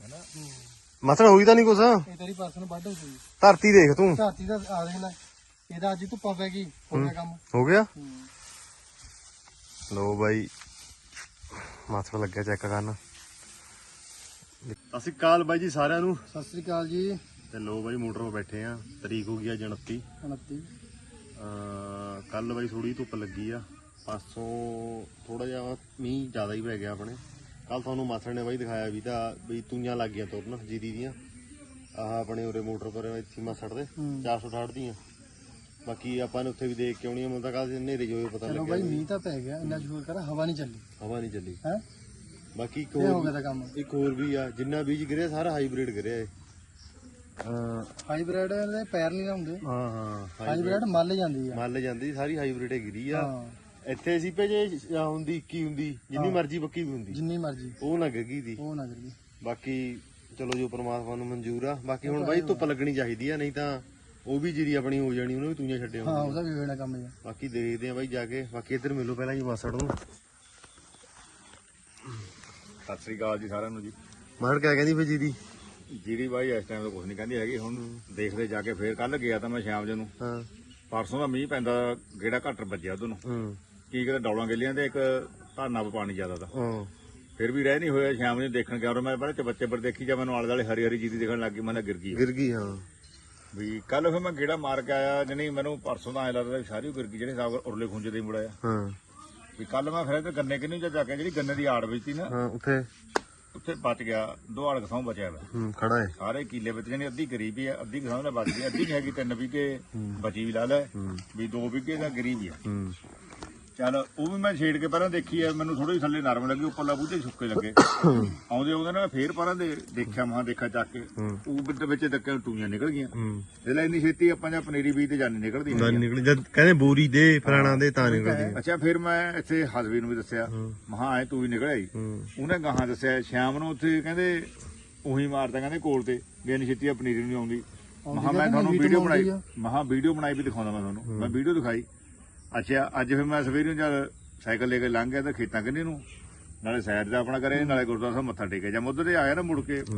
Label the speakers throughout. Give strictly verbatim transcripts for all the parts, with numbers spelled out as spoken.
Speaker 1: ਮਸੜ ਹੋਈ ਤਾਂ ਨਹੀਂ ਕੁਛ।
Speaker 2: ਇਹ ਤੇਰੀ ਪਰਸਨ ਵੱਢ ਹੋ ਗਈ
Speaker 1: ਧਰਤੀ ਦੇਖ ਤੂੰ।
Speaker 2: ਧਰਤੀ ਦਾ ਆ ਦੇਖ ਲੈ ਇਹਦਾ ਅੱਜ ਧੁੱਪਾਂ ਪੈ ਗਈ ਹੋ ਗਿਆ ਕੰਮ
Speaker 1: ਹੋ ਗਿਆ। ਲੋ ਬਾਈ ਮਸੜ ਲੱਗਿਆ ਚੈੱਕ ਕਰਨ। ਸਤਿ ਸ਼੍ਰੀ ਅਕਾਲ ਬਾਈ ਜੀ ਸਾਰਿਆਂ ਨੂੰ।
Speaker 2: ਸਤਿ ਸ੍ਰੀ ਅਕਾਲ ਜੀ।
Speaker 1: ਤੇ ਲੋ ਬਾਈ ਮੋਟਰ 'ਤੇ ਬੈਠੇ ਆ। ਤਰੀਕ ਹੋ ਗਈ ਅੱਜ ਉਨੱਤੀ।
Speaker 2: ਉਨੱਤੀ
Speaker 1: ਕੱਲ ਬਾਈ ਥੋੜੀ ਧੁੱਪ ਲੱਗੀ ਆ। ਪਾਸੋਂ ਥੋੜਾ ਜਿਹਾ ਮੀਂਹ ਜ਼ਿਆਦਾ ਹੀ ਪੈ ਗਿਆ ਆਪਣੇ। ਕੱਲ ਤੁਹਾਨੂੰ ਮਾਸੜ ਨੇ ਬਾਈ ਦਿਖਾਇਆ ਵੀ ਤਾਂ ਵੀ ਤੂਈਆਂ ਲੱਗ ਗਈਆਂ ਤੁਰਨ ਜੀਰੀ ਦੀਆਂ। ਆਹ ਆਪਣੇ ਉਰੇ ਮੋਟਰ ਪਰ ਇੱਥੇ ਮਾਸੜ ਦੇ ਚਾਰ ਸੌ ਅਠਾਹਠ ਦੀਆਂ। ਬਾਕੀ ਆਪਾਂ ਨੇ ਉੱਥੇ ਵੀ ਦੇਖ ਕੇ ਆਉਣੀ ਆ। ਮੈਨੂੰ ਤਾਂ ਕੱਲ ਹਨੇਰੇ ਜੋ ਪਤਾ ਲੱਗਿਆ।
Speaker 2: ਚਲੋ ਬਾਈ ਮੀਂਹ ਤਾਂ ਪੈ ਗਿਆ ਇੰਨਾ ਜ਼ੋਰ ਕਰ ਹਵਾ ਨਹੀਂ ਚੱਲੀ।
Speaker 1: ਹਵਾ ਨਹੀਂ ਚੱਲੀ
Speaker 2: ਹੈ
Speaker 1: ਬਾਕੀ ਇੱਕ
Speaker 2: ਹੋ
Speaker 1: ਹੋਰ
Speaker 2: ਗਿਆ ਤਾਂ ਕੰਮ।
Speaker 1: ਇੱਕ ਹੋਰ ਵੀ ਆ ਜਿੰਨਾ ਬੀਜ ਗਿਰਿਆ ਸਾਰਾ ਹਾਈਬ੍ਰਿਡ ਗਿਰਿਆ ਏ। ਹਾਂ
Speaker 2: ਹਾਈਬ੍ਰਿਡ ਦੇ ਪੈਰ ਨਹੀਂ ਲਾਉਂਦੇ।
Speaker 1: ਹਾਂ ਹਾਂ
Speaker 2: ਹਾਈਬ੍ਰਿਡ ਮੱਲ ਜਾਂਦੀ ਆ।
Speaker 1: ਮੱਲ ਜਾਂਦੀ ਸਾਰੀ ਹਾਈਬ੍ਰਿਡ ਗਿਰੀ ਆ।
Speaker 2: ਹਾਂ
Speaker 1: ਇੱਥੇ ਸੀ ਭੇ ਜੇ ਹੁੰਦੀ ਇੱਕੀ ਹੁੰਦੀ ਜਿੰਨੀ ਮਰਜ਼ੀ ਬੱਕੀ ਵੀ ਹੁੰਦੀ
Speaker 2: ਜਿੰਨੀ ਮਰਜ਼ੀ
Speaker 1: ਉਹ ਨਾ ਗਿੱਗੀ ਦੀ।
Speaker 2: ਉਹ ਨਾ ਕਰੀ।
Speaker 1: ਬਾਕੀ ਚਲੋ ਜੋ ਪ੍ਰਮਾਤਮਾ ਨੂੰ ਮਨਜ਼ੂਰ ਆ। ਬਾਕੀ ਹੁਣ ਬਾਈ ਧੁੱਪ ਲੱਗਣੀ ਚਾਹੀਦੀ ਆ ਨਹੀਂ ਤਾਂ ਉਹ ਵੀ ਜੀਰੀ ਆਪਣੀ ਹੋ ਜਾਣੀ ਉਹਨੂੰ ਵੀ ਤੂਈਆਂ ਛੱਡੇ
Speaker 2: ਹਾਂ ਉਹਦਾ ਵੀ ਹੋਣਾ ਕੰਮ ਜੀ।
Speaker 1: ਬਾਕੀ ਦੇਖਦੇ ਆ ਬਾਈ ਜਾ ਕੇ। ਬਾਕੀ ਇੱਧਰ ਮਿਲੋ ਪਹਿਲਾਂ ਜੀ ਮਾਸੜ ਨੂੰ।
Speaker 3: ਸਤਿ ਸ੍ਰੀ ਅਕਾਲ ਜੀ ਸਾਰਿਆਂ ਨੂੰ ਜੀ।
Speaker 1: ਮਾਸੜ ਕਿਆ ਕਹਿੰਦੀ ਫੇ ਜੀਰੀ।
Speaker 3: ਜੀਰੀ ਬਾਈ ਇਸ ਟਾਈਮ ਤਾਂ ਕੁਝ ਨਹੀਂ ਕਹਿੰਦੀ ਹੈਗੀ। ਹੁਣ ਦੇਖਦੇ ਜਾ ਕੇ ਫੇਰ ਕੱਲ ਗਿਆ ਤਾਂ ਮੈਂ ਸ਼ਾਮ ਜੇ ਨੂੰ।
Speaker 1: ਹਾਂ
Speaker 3: ਪਰਸੋਂ ਦਾ ਮੀਂਹ ਪੈਂਦਾ ਗੇੜਾ ਘੱਟ ਵੱਜਿਆ ਉਦੋਂ ਨੂੰ।
Speaker 1: ਹੂੰ
Speaker 3: ਕੀ ਕਿਤੇ ਡੌਲਾਂ ਗੇਲੀਆਂ ਤੇ ਇੱਕ ਧਾਨਾ ਪਾਣੀ ਜ਼ਿਆਦਾ ਦਾ
Speaker 1: ਹਾਂ
Speaker 3: ਫਿਰ ਵੀ ਰਹਿ ਨਹੀਂ ਹੋਇਆ। ਸ਼ਾਮ ਨੂੰ ਦੇਖਣ ਗਿਆ ਮੈਂ ਪਹਿਲਾਂ ਬੱਚੇ ਪਰ ਦੇਖੀ ਜਾ ਮੈਨੂੰ ਆਲੇ ਦੁਆਲੇ ਹਰੀ ਹਰੀ ਜੀਰੀ ਦੇਖਣ ਲੱਗ ਗਈ। ਮੈਂ ਗਿਰ ਗਈ
Speaker 1: ਗਿਰ ਗਈ। ਹਾਂ
Speaker 3: ਵੀ ਕੱਲ ਫਿਰ ਮੈਂ ਗੇੜਾ ਮਾਰ ਕੇ ਆਇਆ ਜਣੀ ਮੈਨੂੰ ਪਰਸੋਂ ਦਾ ਐ ਲੱਗਦਾ ਵੀ ਸਾਰੀ ਗਿਰ ਗਈ ਜਿਹੜੇ ਹਿਸਾਬ ਉਰਲੇ ਖੁੰਝੇ ਦੇ ਮੁੜਿਆ।
Speaker 1: ਹਾਂ
Speaker 3: ਵੀ ਕੱਲ ਮੈਂ ਫਿਰ ਗੰਨੇ ਕਿੰਨੀ ਜਾ ਕੇ ਜਿਹੜੀ ਗੰਨੇ ਦੀ ਆੜ ਵਿੱਚ ਸੀ ਨਾ
Speaker 1: ਹਾਂ ਉੱਥੇ
Speaker 3: ਉੱਥੇ ਬਚ ਗਿਆ। ਦੋ ਆੜ ਕਸਾਂ ਬਚਿਆ ਵਾ
Speaker 1: ਹੂੰ ਖੜਾ ਹੈ।
Speaker 3: ਸਾਰੇ ਕੀਲੇ ਵਿੱਚ ਜਾਨੀ ਅੱਧੀ ਗਰੀਬੀ ਆ ਅੱਧੀ ਕਿਸਾਨ ਦਾ ਬਚ ਗਈ। ਅੱਧੀ ਨਹੀਂ ਹੈਗੀ ਤਿੰਨ ਵੀਘੇ ਬਚੀ ਵੀ ਲਾ ਲੈ ਵੀ ਦੋ ਵੀਘੇ ਦਾ ਗਰੀਬੀ ਆ।
Speaker 1: ਹੂੰ
Speaker 3: ਚੱਲ ਉਹ ਵੀ ਮੈਂ ਛੇੜ ਕੇ ਪਹਿਲਾਂ ਦੇਖੀ ਆ। ਮੈਨੂੰ ਥੋੜੀ ਥੱਲੇ ਨਰਮ ਲੱਗੀ ਉੱਪਰਲਾ ਬੂਝੇ ਸੁੱਕੇ ਲੱਗੇ। ਆਉਂਦੇ ਆਉਂਦੇ ਨਾ ਫੇਰ ਪਰਾਂ ਦੇ ਦੇਖਿਆ ਮਹਾਂ ਦੇਖਾ ਚੱਕ ਕੇ ਉਹ ਵਿੱਚ ਵਿੱਚ ਧੱਕੇ ਟੂਈਆਂ ਨਿਕਲ ਗਈਆਂ। ਜਿਹੜਾ ਇੰਨੀ ਛੇਤੀ ਆਪਾਂ ਜਾਂ ਪਨੀਰੀ ਬੀਜ ਤੇ ਜਾਨੀ ਨਿਕਲਦੀ
Speaker 1: ਨਾ ਨਿਕਲੀ ਜਦ ਕਹਿੰਦੇ ਬੋਰੀ ਦੇ ਫਲਾਣਾ ਦੇ ਤਾਂ ਨਿਕਲਦੀ।
Speaker 3: ਅੱਛਾ ਫਿਰ ਮੈਂ ਇੱਥੇ ਹਸਬੀ ਨੂੰ ਵੀ ਦੱਸਿਆ ਮਹਾਂ ਐ ਤੂੰ ਹੀ ਨਿਕਲ ਆਈ। ਉਹਨੇ ਗਾਹਾਂ ਦੱਸਿਆ ਸ਼ਾਮ ਨੂੰ ਉੱਥੇ ਕਹਿੰਦੇ ਉਹੀ ਮਾਰਦਾ ਕਹਿੰਦੇ ਕੋਲ ਤੇ ਵੀ ਇੰਨੀ ਛੇਤੀ ਪਨੀਰੀ ਨਹੀਂ ਆਉਂਦੀ। ਮਹਾਂ ਮੈਂ ਤੁਹਾਨੂੰ ਵੀਡੀਓ ਬਣਾਈ ਮਹਾਂ ਵੀਡੀਓ ਬਣਾਈ ਵੀ ਦਿਖਾਉਂਦਾ ਮੈਂ ਤੁਹਾਨੂੰ। ਮੈਂ ਵੀਡੀਓ ਦਿਖਾਈ। ਅੱਛਾ ਅੱਜ ਫਿਰ ਮੈਂ ਸਵੇਰੇ ਜਦ ਸਾਈਕਲ ਲੈ ਕੇ ਲੰਘ ਗਿਆ ਤਾਂ ਖੇਤਾਂ ਕੰਨੀ ਨੂੰ ਨਾਲੇ ਸਾਈਡ ਦਾ ਆਪਣਾ ਕਰੇ ਨਾਲੇ ਗੁਰਦੁਆਰਾ ਸਾਹਿਬ ਮੱਥਾ ਟੇਕਿਆ। ਜਾਂ ਮੁੱਧ ਤੇ ਆਇਆ ਨਾ ਮੁੜ ਕੇ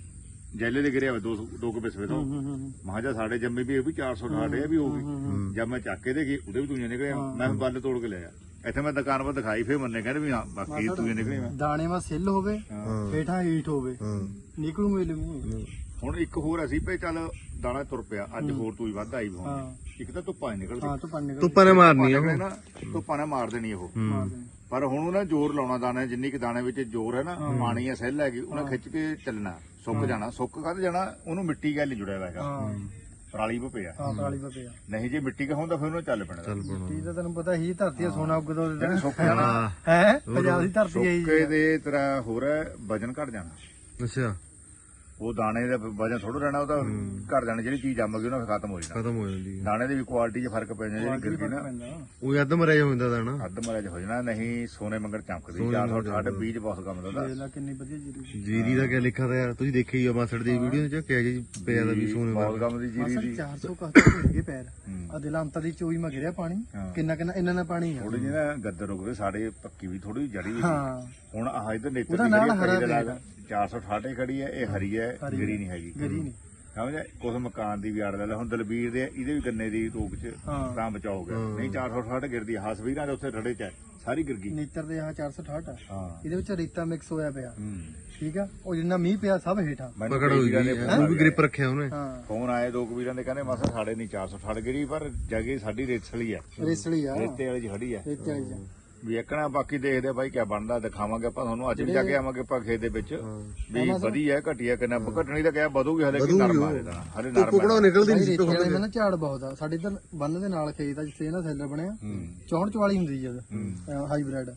Speaker 3: ਜੈਲੇ ਦੇ ਗਿਰਿਆ ਦੋ ਦੋ ਕੁ ਪਿਸਵੇ ਤੋਂ ਮਹਾਂ ਜਾ ਸਾਡੇ ਜੰਮੇ ਵੀ ਇਹ ਵੀ ਚਾਰ ਸੌ ਅਠਾਹਠ ਇਹ ਵੀ ਹੋ ਗਈ। ਜਦ ਮੈਂ ਚੱਕ ਕੇ ਦੇ ਗਈ ਉਹਦੇ ਵੀ ਤੂੰ ਨਿਕਲਿਆ। ਮੈਂ ਬੱਲ ਤੋੜ ਕੇ ਲਿਆ ਇੱਥੇ ਮੈਂ ਦੁਕਾਨ ਪਰ ਦਿਖਾਈ ਫਿਰ ਮੰਨੇ ਕਹਿੰਦੇ ਵੀ ਹਾਂ ਬਾਕੀ ਤੂੰ ਨਿਕਲੇ।
Speaker 2: ਦਾਣੇ ਮਾ ਸਿੱਲ ਹੋਵੇ ਹੇਠਾਂ ਹੀਟ ਹੋਵੇ ਨਿਕਲੂ ਮਿਲੂ।
Speaker 3: ਹੁਣ ਇੱਕ ਹੋਰ ਅਸੀਂ ਭਈ ਚੱਲ ਦਾਣਾ ਤੁਰ ਪਿਆ ਅੱਜ ਹੋਰ ਤੂੰ ਹੀ ਵੱਧ ਆਈ ਹੁਣ ਇੱਕ ਤਾਂ ਧੁੱਪਾਂ ਹੀ ਨਿਕਲਦੀ।
Speaker 2: ਹਾਂ ਧੁੱਪਾਂ ਨਿਕਲ
Speaker 1: ਧੁੱਪਾਂ ਨੇ ਮਾਰਨੀ ਆ
Speaker 3: ਨਾ ਧੁੱਪਾਂ ਨੇ ਮਾਰ ਦੇਣੀ ਉਹ। ਪਰ ਹੁਣ ਉਹਨਾਂ ਜ਼ੋਰ ਲਾਉਣਾ ਦਾਣੇ ਜਿੰਨੀ ਕਿ ਦਾਣੇ ਵਿੱਚ ਜ਼ੋਰ ਹੈ ਨਾ ਪਾਣੀ ਆ ਸੈੱਲ ਹੈਗੀ ਉਹਨਾਂ ਖਿੱਚ ਕੇ ਚੱਲਣਾ। ਸੁੱਕ ਜਾਣਾ ਸੁੱਕ ਕੱਢ ਜਾਣਾ ਉਹਨੂੰ ਮਿੱਟੀ ਗੱਲ ਜੁੜਿਆ ਹੋਇਆ ਹੈਗਾ ਪਰਾਲੀ ਪੇ ਪਿਆ।
Speaker 2: ਹਾਂ ਪਰਾਲੀ ਪੇ ਪਿਆ
Speaker 3: ਨਹੀਂ ਜੇ ਮਿੱਟੀ ਕਾ ਹੁੰਦਾ ਫਿਰ ਉਹਨੂੰ ਚੱਲ ਪੈਣਾ।
Speaker 2: ਮਿੱਟੀ ਦਾ ਤੈਨੂੰ ਪਤਾ ਹੀ ਧਰਤੀ ਦਾ ਸੋਨਾ ਉੱਗਦਾ
Speaker 3: ਜਿਹੜੇ ਸੁੱਕ ਜਾਣਾ
Speaker 2: ਹੈ ਪੰਜਾਬ ਦੀ ਧਰਤੀ ਹੈ
Speaker 3: ਸੁੱਕੇ ਦੇ ਤਰ੍ਹਾਂ ਹੋਰ ਵਜਨ ਘਟ ਜਾਣਾ।
Speaker 1: ਅੱਛਾ
Speaker 3: ਉਹ ਦਾਣੇ ਦਾ ਵਜਨ ਥੋੜਾ ਰਹਿਣਾ ਉਹਦਾ ਘਟ ਜਾਣਾ। ਜਿਹੜੀ ਚੀਜ਼ ਜੰਮ ਗਈ ਉਹਨਾਂ ਖਤਮ ਹੋ ਜਾਣਾ।
Speaker 1: ਖਤਮ ਹੋ ਜਾਂਦੀ
Speaker 3: ਦਾਣੇ ਦੀ ਵੀ ਕੁਆਲਿਟੀ 'ਚ ਫਰਕ ਪੈ ਜਾਂਦਾ। ਜਿਹੜੀ ਗਿਰਦੀ ਨਾ
Speaker 1: ਉਹ ਅੱਧ ਮਰਿਆ ਹੁੰਦਾ ਦਾਣਾ
Speaker 3: ਅੱਧ ਮਰਿਆ ਹੋ ਜਾਣਾ। ਨਹੀਂ ਸੋਨੇ ਮੰਗਰ ਚਮਕਦੀ ਚਾਰ ਸੌ ਅਠਾਹਠ ਬੀਜ ਬਹੁਤ ਕੰਮ ਦਾ।
Speaker 2: ਦੇਖ ਲੈ ਕਿੰਨੀ ਵਧੀਆ ਜੀਰੀ
Speaker 1: ਜੀਰੀ ਦਾ ਕਿਆ ਲਿਖਿਆ ਤਾਂ ਯਾਰ ਤੁਸੀਂ ਦੇਖਿਆ ਹੀ ਆ ਮਾਸੜ ਦੀ ਵੀਡੀਓ ਚ ਕਿਹਾ ਜੀ ਪਿਆ ਦਾ ਵੀ ਸੋਨੇ
Speaker 3: ਬਹੁਤ ਕੰਮ ਦੀ ਜੀਰੀ ਦੀ।
Speaker 2: ਚਾਰ ਸੌ ਕੱਟ ਹੈਗੇ ਪੈਰ ਆ ਦਿਲਾਂ ਅੰਤਾਂ ਦੀ ਚੋਈ ਮ ਗਿਰਿਆ ਪਾਣੀ ਕਿੰਨਾ ਕਿੰਨਾ ਇੰਨਾ ਨਾ ਪਾਣੀ ਆ।
Speaker 3: ਥੋੜੀ ਜਿਹੀ ਨਾ ਗੱਦਰ ਰੁਕ ਗਏ ਸਾਡੇ ਪੱਕੀ ਵੀ ਥੋੜੀ ਜੜੀ।
Speaker 2: ਹਾਂ
Speaker 3: ਹੁਣ ਆਹ ਇਧਰ ਨੇਤਰ
Speaker 2: ਉਹਦਾ ਨਾਲ ਹਰਾ
Speaker 3: ਚਾਰ ਸੌ ਅਠਾਹਠ ਖੜੀ ਹੈ ਇਹ ਹਰੀ ਹੈ ਗਿਰੀ ਨਹੀਂ ਹੈਗੀ।
Speaker 2: ਗਰੀ ਨਹੀਂ
Speaker 3: ਸਮਝਿਆ ਕੁਝ ਮਕਾਨ ਦੀ ਵੀ ਆੜ ਲੈ ਹੁਣ ਦਲਬੀਰ ਦੇ ਇਹਦੇ ਵੀ ਗੰਨੇ ਦੀ ਰੋਕ ਚ ਤਾਂ ਬਚਾਓ ਗਿਆ। ਨਹੀਂ ਚਾਰ ਸੌ ਅਠਾਹਠ ਗਿਰਦੀ ਹਸਵੀਰਾਂ ਦੇ ਉੱਥੇ ਰੜੇ ਚ ਸਾਰੀ ਗਿਰ ਗਈ।
Speaker 2: ਨੇਤਰ ਦੇ ਆ ਚਾਰ ਸੌ ਅਠਾਹਠ ਆ
Speaker 3: ਹਾਂ
Speaker 2: ਇਹਦੇ ਵਿੱਚ ਰੇਤਾ ਮਿਕਸ ਹੋਇਆ ਪਿਆ। ਠੀਕ ਆ ਉਹ ਜਿੰਨਾ ਮੀਂਹ ਪਿਆ ਸਭ ਹੇਠਾਂ
Speaker 1: ਪਕੜ ਹੋਈ ਉਹ ਵੀ ਗ੍ਰਿਪ ਰੱਖਿਆ ਉਹਨੇ।
Speaker 3: ਫੋਨ ਆਏ ਦੋ ਕਬੀਰਾਂ ਦੇ ਕਹਿੰਦੇ ਮਾਸਾ ਸਾਡੇ ਨਹੀਂ ਚਾਰ ਸੌ ਅਠਾਹਠ ਗਿਰੀ ਪਰ ਜਗੇ ਸਾਡੀ ਰੇਤਸਲੀ ਆ
Speaker 2: ਰੇਸਲੀ ਆ
Speaker 3: ਰੇਤੇ ਵਾਲੀ ਖੜੀ ਆ
Speaker 2: ਰੇਤੇ ਵਾਲੀ ਆ
Speaker 3: ਵੀ ਇੱਕਣਾ ਬਾਕੀ ਦੇਖਦੇ ਬਾਈ ਕਿਆ ਬਣਦਾ ਦਿਖਾਵਾਂਗੇ ਆਪਾਂ ਤੁਹਾਨੂੰ। ਅੱਜ ਵੀ ਜਾ ਕੇ ਆਵਾਂਗੇ ਆਪਾਂ ਖੇਤ ਦੇ ਵਿੱਚ ਵੀ ਵਧੀਆ ਘਟੀਆ ਕਿੰਨਾ ਘਟਣੀ ਤਾਂ ਕਿਹਾ ਵਧੂਗੀ ਹਲੇ ਕਿ ਨਰਮ ਆ ਦੇਣਾ ਹਲੇ ਨਰਮ
Speaker 1: ਟੁਕੜਾ ਨਿਕਲਦੀ ਨਹੀਂ।
Speaker 2: ਰੇਤੇ ਵਾਲੇ ਨਾ ਝਾੜ ਬਹੁਤ ਆ ਸਾਡੇ ਇੱਧਰ ਬੰਨ ਦੇ ਨਾਲ ਖੇਤ ਆ ਜਿੱਥੇ ਇਹਨਾਂ ਸੈਲਰ ਬਣਿਆ ਚੌਂਹਠ ਚਵਾਲੀ ਹੁੰਦੀ ਜਦ ਹਾਈਬ੍ਰਿਡ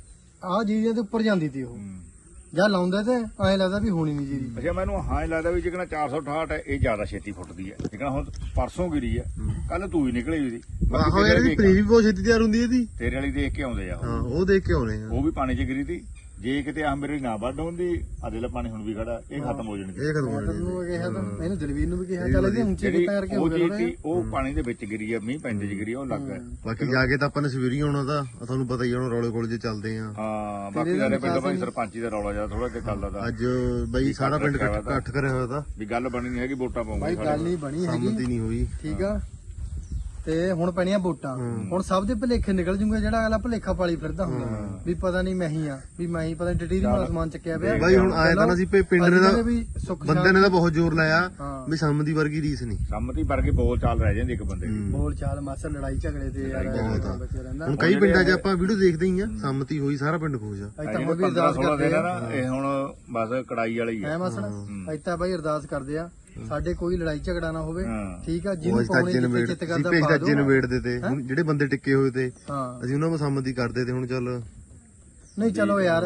Speaker 2: ਆਹ ਜੀਰੀਆਂ ਦੇ ਉੱਪਰ ਜਾਂਦੀ ਤੀ ਉਹ ਜਾਂ ਲਾਉਂਦੇ ਤੇ ਐਂ ਲੱਗਦਾ ਵੀ ਹੋਣੀ ਨਹੀਂ ਜੀਰੀ।
Speaker 3: ਅੱਛਾ ਮੈਨੂੰ ਹਾਂ ਹੀ ਲੱਗਦਾ ਵੀ ਜਿਹੜਾ ਚਾਰ ਸੌ ਅਠਾਹਠ ਹੈ ਇਹ ਜ਼ਿਆਦਾ ਛੇਤੀ ਫੁੱਟਦੀ ਹੈ। ਜਿਹੜਾ ਹੁਣ ਪਰਸੋਂ ਗਿਰੀ ਹੈ ਕੱਲ ਤੂੰ ਹੀ ਨਿਕਲੀ ਉਹਦੀ
Speaker 1: ਆਹੋ ਯਾਰ ਵੀ ਪਨੀਰੀ ਵੀ ਬਹੁਤ ਛੇਤੀ ਤਿਆਰ ਹੁੰਦੀ ਇਹਦੀ।
Speaker 3: ਤੇਰੇ ਵਾਲੀ ਦੇਖ ਕੇ ਆਉਂਦੇ ਆ
Speaker 1: ਹਾਂ ਉਹ ਦੇਖ ਕੇ ਆਉਣੇ ਆ।
Speaker 3: ਉਹ ਵੀ ਪਾਣੀ 'ਚ ਗਿਰੀ ਤੀ ਜੇ ਕਿਤੇ ਆਹ ਮੇਰੀ ਨਾ ਵੱਢ ਹੁੰਦੀ ਆਦੇ ਲਾ ਪਾਣੀ ਹੁਣ ਵੀ ਖੜਾ ਇਹ ਖਤਮ ਹੋ ਜਾਣਗੇ
Speaker 1: ਇਹ ਖਤਮ ਹੋ
Speaker 2: ਤੈਨੂੰ ਕਿਹਾ ਤਾਂ ਇਹਨੂੰ ਦਲਵੀਰ ਨੂੰ ਵੀ ਕਿਹਾ ਚੱਲ ਇਹਦੀ ਉੱਚੀ
Speaker 3: ਜਿਹੜੀ
Speaker 2: ਕਿਤਾ ਕਰਕੇ
Speaker 3: ਉਹ
Speaker 2: ਹੋ
Speaker 3: ਚੀਜ਼
Speaker 2: ਗਿਆ
Speaker 3: ਸੀ ਉਹ ਪਾਣੀ ਦੇ ਵਿੱਚ ਗਿਰੀ ਆ ਮੀਂਹ ਪੈਂਦੇ ਚ ਗਿਰੀ ਆ, ਉਹ ਲੱਗ ਗਿਆ
Speaker 1: ਬਾਕੀ ਜਾ ਕੇ ਤਾਂ ਆਪਾਂ ਨੇ ਸਵੇਰੀ ਆਉਣਾ ਤਾਂ ਤੁਹਾਨੂੰ ਪਤਾ ਹੀ ਆ, ਹੁਣ ਰੌਲੇ ਕੋਲ ਜੇ ਚੱਲਦੇ ਆ।
Speaker 3: ਹਾਂ ਬਾਕੀ ਸਾਰੇ ਪਿੰਡ ਭਾਈ ਸਰਪੰਚੀ ਦਾ ਰੌਲਾ ਜਿਆਦਾ ਥੋੜਾ ਜਿਹਾ ਚੱਲਦਾ ਤਾ
Speaker 1: ਅੱਜ ਬਈ ਸਾਰਾ ਪਿੰਡ ਇਕੱਠ ਇਕੱਠ ਕਰਿਆ ਹੋਇਆ ਤਾਂ
Speaker 3: ਵੀ ਗੱਲ ਬਣੀ ਨਹੀਂ ਹੈਗੀ ਵੋਟਾਂ
Speaker 2: ਬਾਈ
Speaker 3: ਪਾਉਂਗੇ
Speaker 2: ਗੱਲ ਨਹੀਂ ਬਣੀ ਹੈਗੀ
Speaker 1: ਸੰਮਤੀ ਨਹੀਂ ਹੋਈ।
Speaker 2: ਠੀਕ ਆ ਤੇ ਹੁਣ ਪੈਣੀਆਂ ਵੋਟਾਂ ਹੁਣ ਸਭ ਦੇ ਭੁਲੇਖੇ ਨਿਕਲ ਜੂਗੇ ਜਿਹੜਾ ਅਗਲਾ ਭੁਲੇਖਾ ਪਾਲੀ ਫਿਰਦਾ ਹੁੰਦਾ ਵੀ ਪਤਾ ਨਹੀਂ ਮੈਂ ਹੀ ਆ ਵੀ ਮੈਂ ਹੀ ਪਤਾ ਨਹੀਂ ਟਟੀਰੀ ਮਾਲ ਸਮਾਨ ਚੱਕਿਆ ਪਿਆ
Speaker 1: ਬਾਈ ਹੁਣ ਆਇਆ ਤਾਂ ਨਾ ਸੀ ਪੇ ਪਿੰਡ ਨੇ
Speaker 2: ਅੱਜ
Speaker 1: ਦਾ
Speaker 2: ਵੀ ਸੁੱਖ
Speaker 1: ਬੰਦੇ ਨੇ ਤਾਂ ਬਹੁਤ ਜ਼ੋਰ ਲਾਇਆ
Speaker 2: ਹਾਂ।
Speaker 1: ਵੀ ਸੰਮਤੀ ਵਰਗੀ ਰੀਸ ਨਹੀਂ।
Speaker 3: ਸੰਮਤੀ ਵਰਗੀ ਬੋਲ ਚਾਲ ਰਹਿ ਜਾਂਦੀ ਇੱਕ ਬੰਦੇ ਦੀ
Speaker 2: ਬੋਲ ਚਾਲ ਮਾਸਾ ਲੜਾਈ ਝਗੜੇ ਤੇ ਯਾਰ ਬੱਚੇ ਰਹਿੰਦਾ
Speaker 1: ਹੁਣ ਕਈ ਪਿੰਡਾਂ 'ਚ ਆਪਾਂ ਵੀਡੀਓ ਦੇਖਦੇ ਹੀ ਆ, ਸੰਮਤੀ ਹੋਈ ਸਾਰਾ ਪਿੰਡ ਖੁਸ਼ ਆ।
Speaker 2: ਅੱਜ ਤਾਂ ਹੁਣ ਵੀ
Speaker 3: ਪੰਦਰਾਂ
Speaker 2: ਅਰਦਾਸ
Speaker 3: ਸੋਲਾਂ
Speaker 2: ਕਰਦੇ
Speaker 3: ਦਿਨ
Speaker 2: ਆ
Speaker 3: ਆ ਨਾ ਇਹ ਹੁਣ ਬਸ ਕੜਾਈ ਵਾਲੀ
Speaker 2: ਐ
Speaker 3: ਆ
Speaker 2: ਮਾਸੜ ਅੱਜ ਤਾਂ ਬਾਈ ਅਰਦਾਸ ਕਰਦੇ ਆ ਸਾਡੇ ਕੋਈ ਲੜਾਈ ਝਗੜਾ ਨਾ ਹੋਵੇ
Speaker 3: ਹਾਂ।
Speaker 2: ਠੀਕ ਆ
Speaker 1: ਉਹ
Speaker 2: ਜਿਹਨੂੰ
Speaker 1: ਅੱਜ ਤੱਕ
Speaker 2: ਪਾਉਣੇ
Speaker 1: ਜਿੰਨ ਵੇੜ
Speaker 2: ਜਿੱਤ
Speaker 1: ਸੀ
Speaker 2: ਕਰਦਾ
Speaker 1: ਭੇਜ
Speaker 2: ਪਾ
Speaker 1: ਦਾ
Speaker 2: ਦੋ
Speaker 1: ਜਿੰਨ ਵੇੜਦੇ ਤੇ ਹੁਣ ਜਿਹੜੇ ਬੰਦੇ ਟਿੱਕੇ ਹੋਏ ਤੇ
Speaker 2: ਹਾਂ
Speaker 1: ਅਸੀਂ ਉਹਨਾਂ ਨੂੰ ਸੰਮਤੀ ਕਰਦੇ ਤੇ ਹੁਣ ਚੱਲ
Speaker 2: ਨਹੀਂ ਚਲੋ ਯਾਰ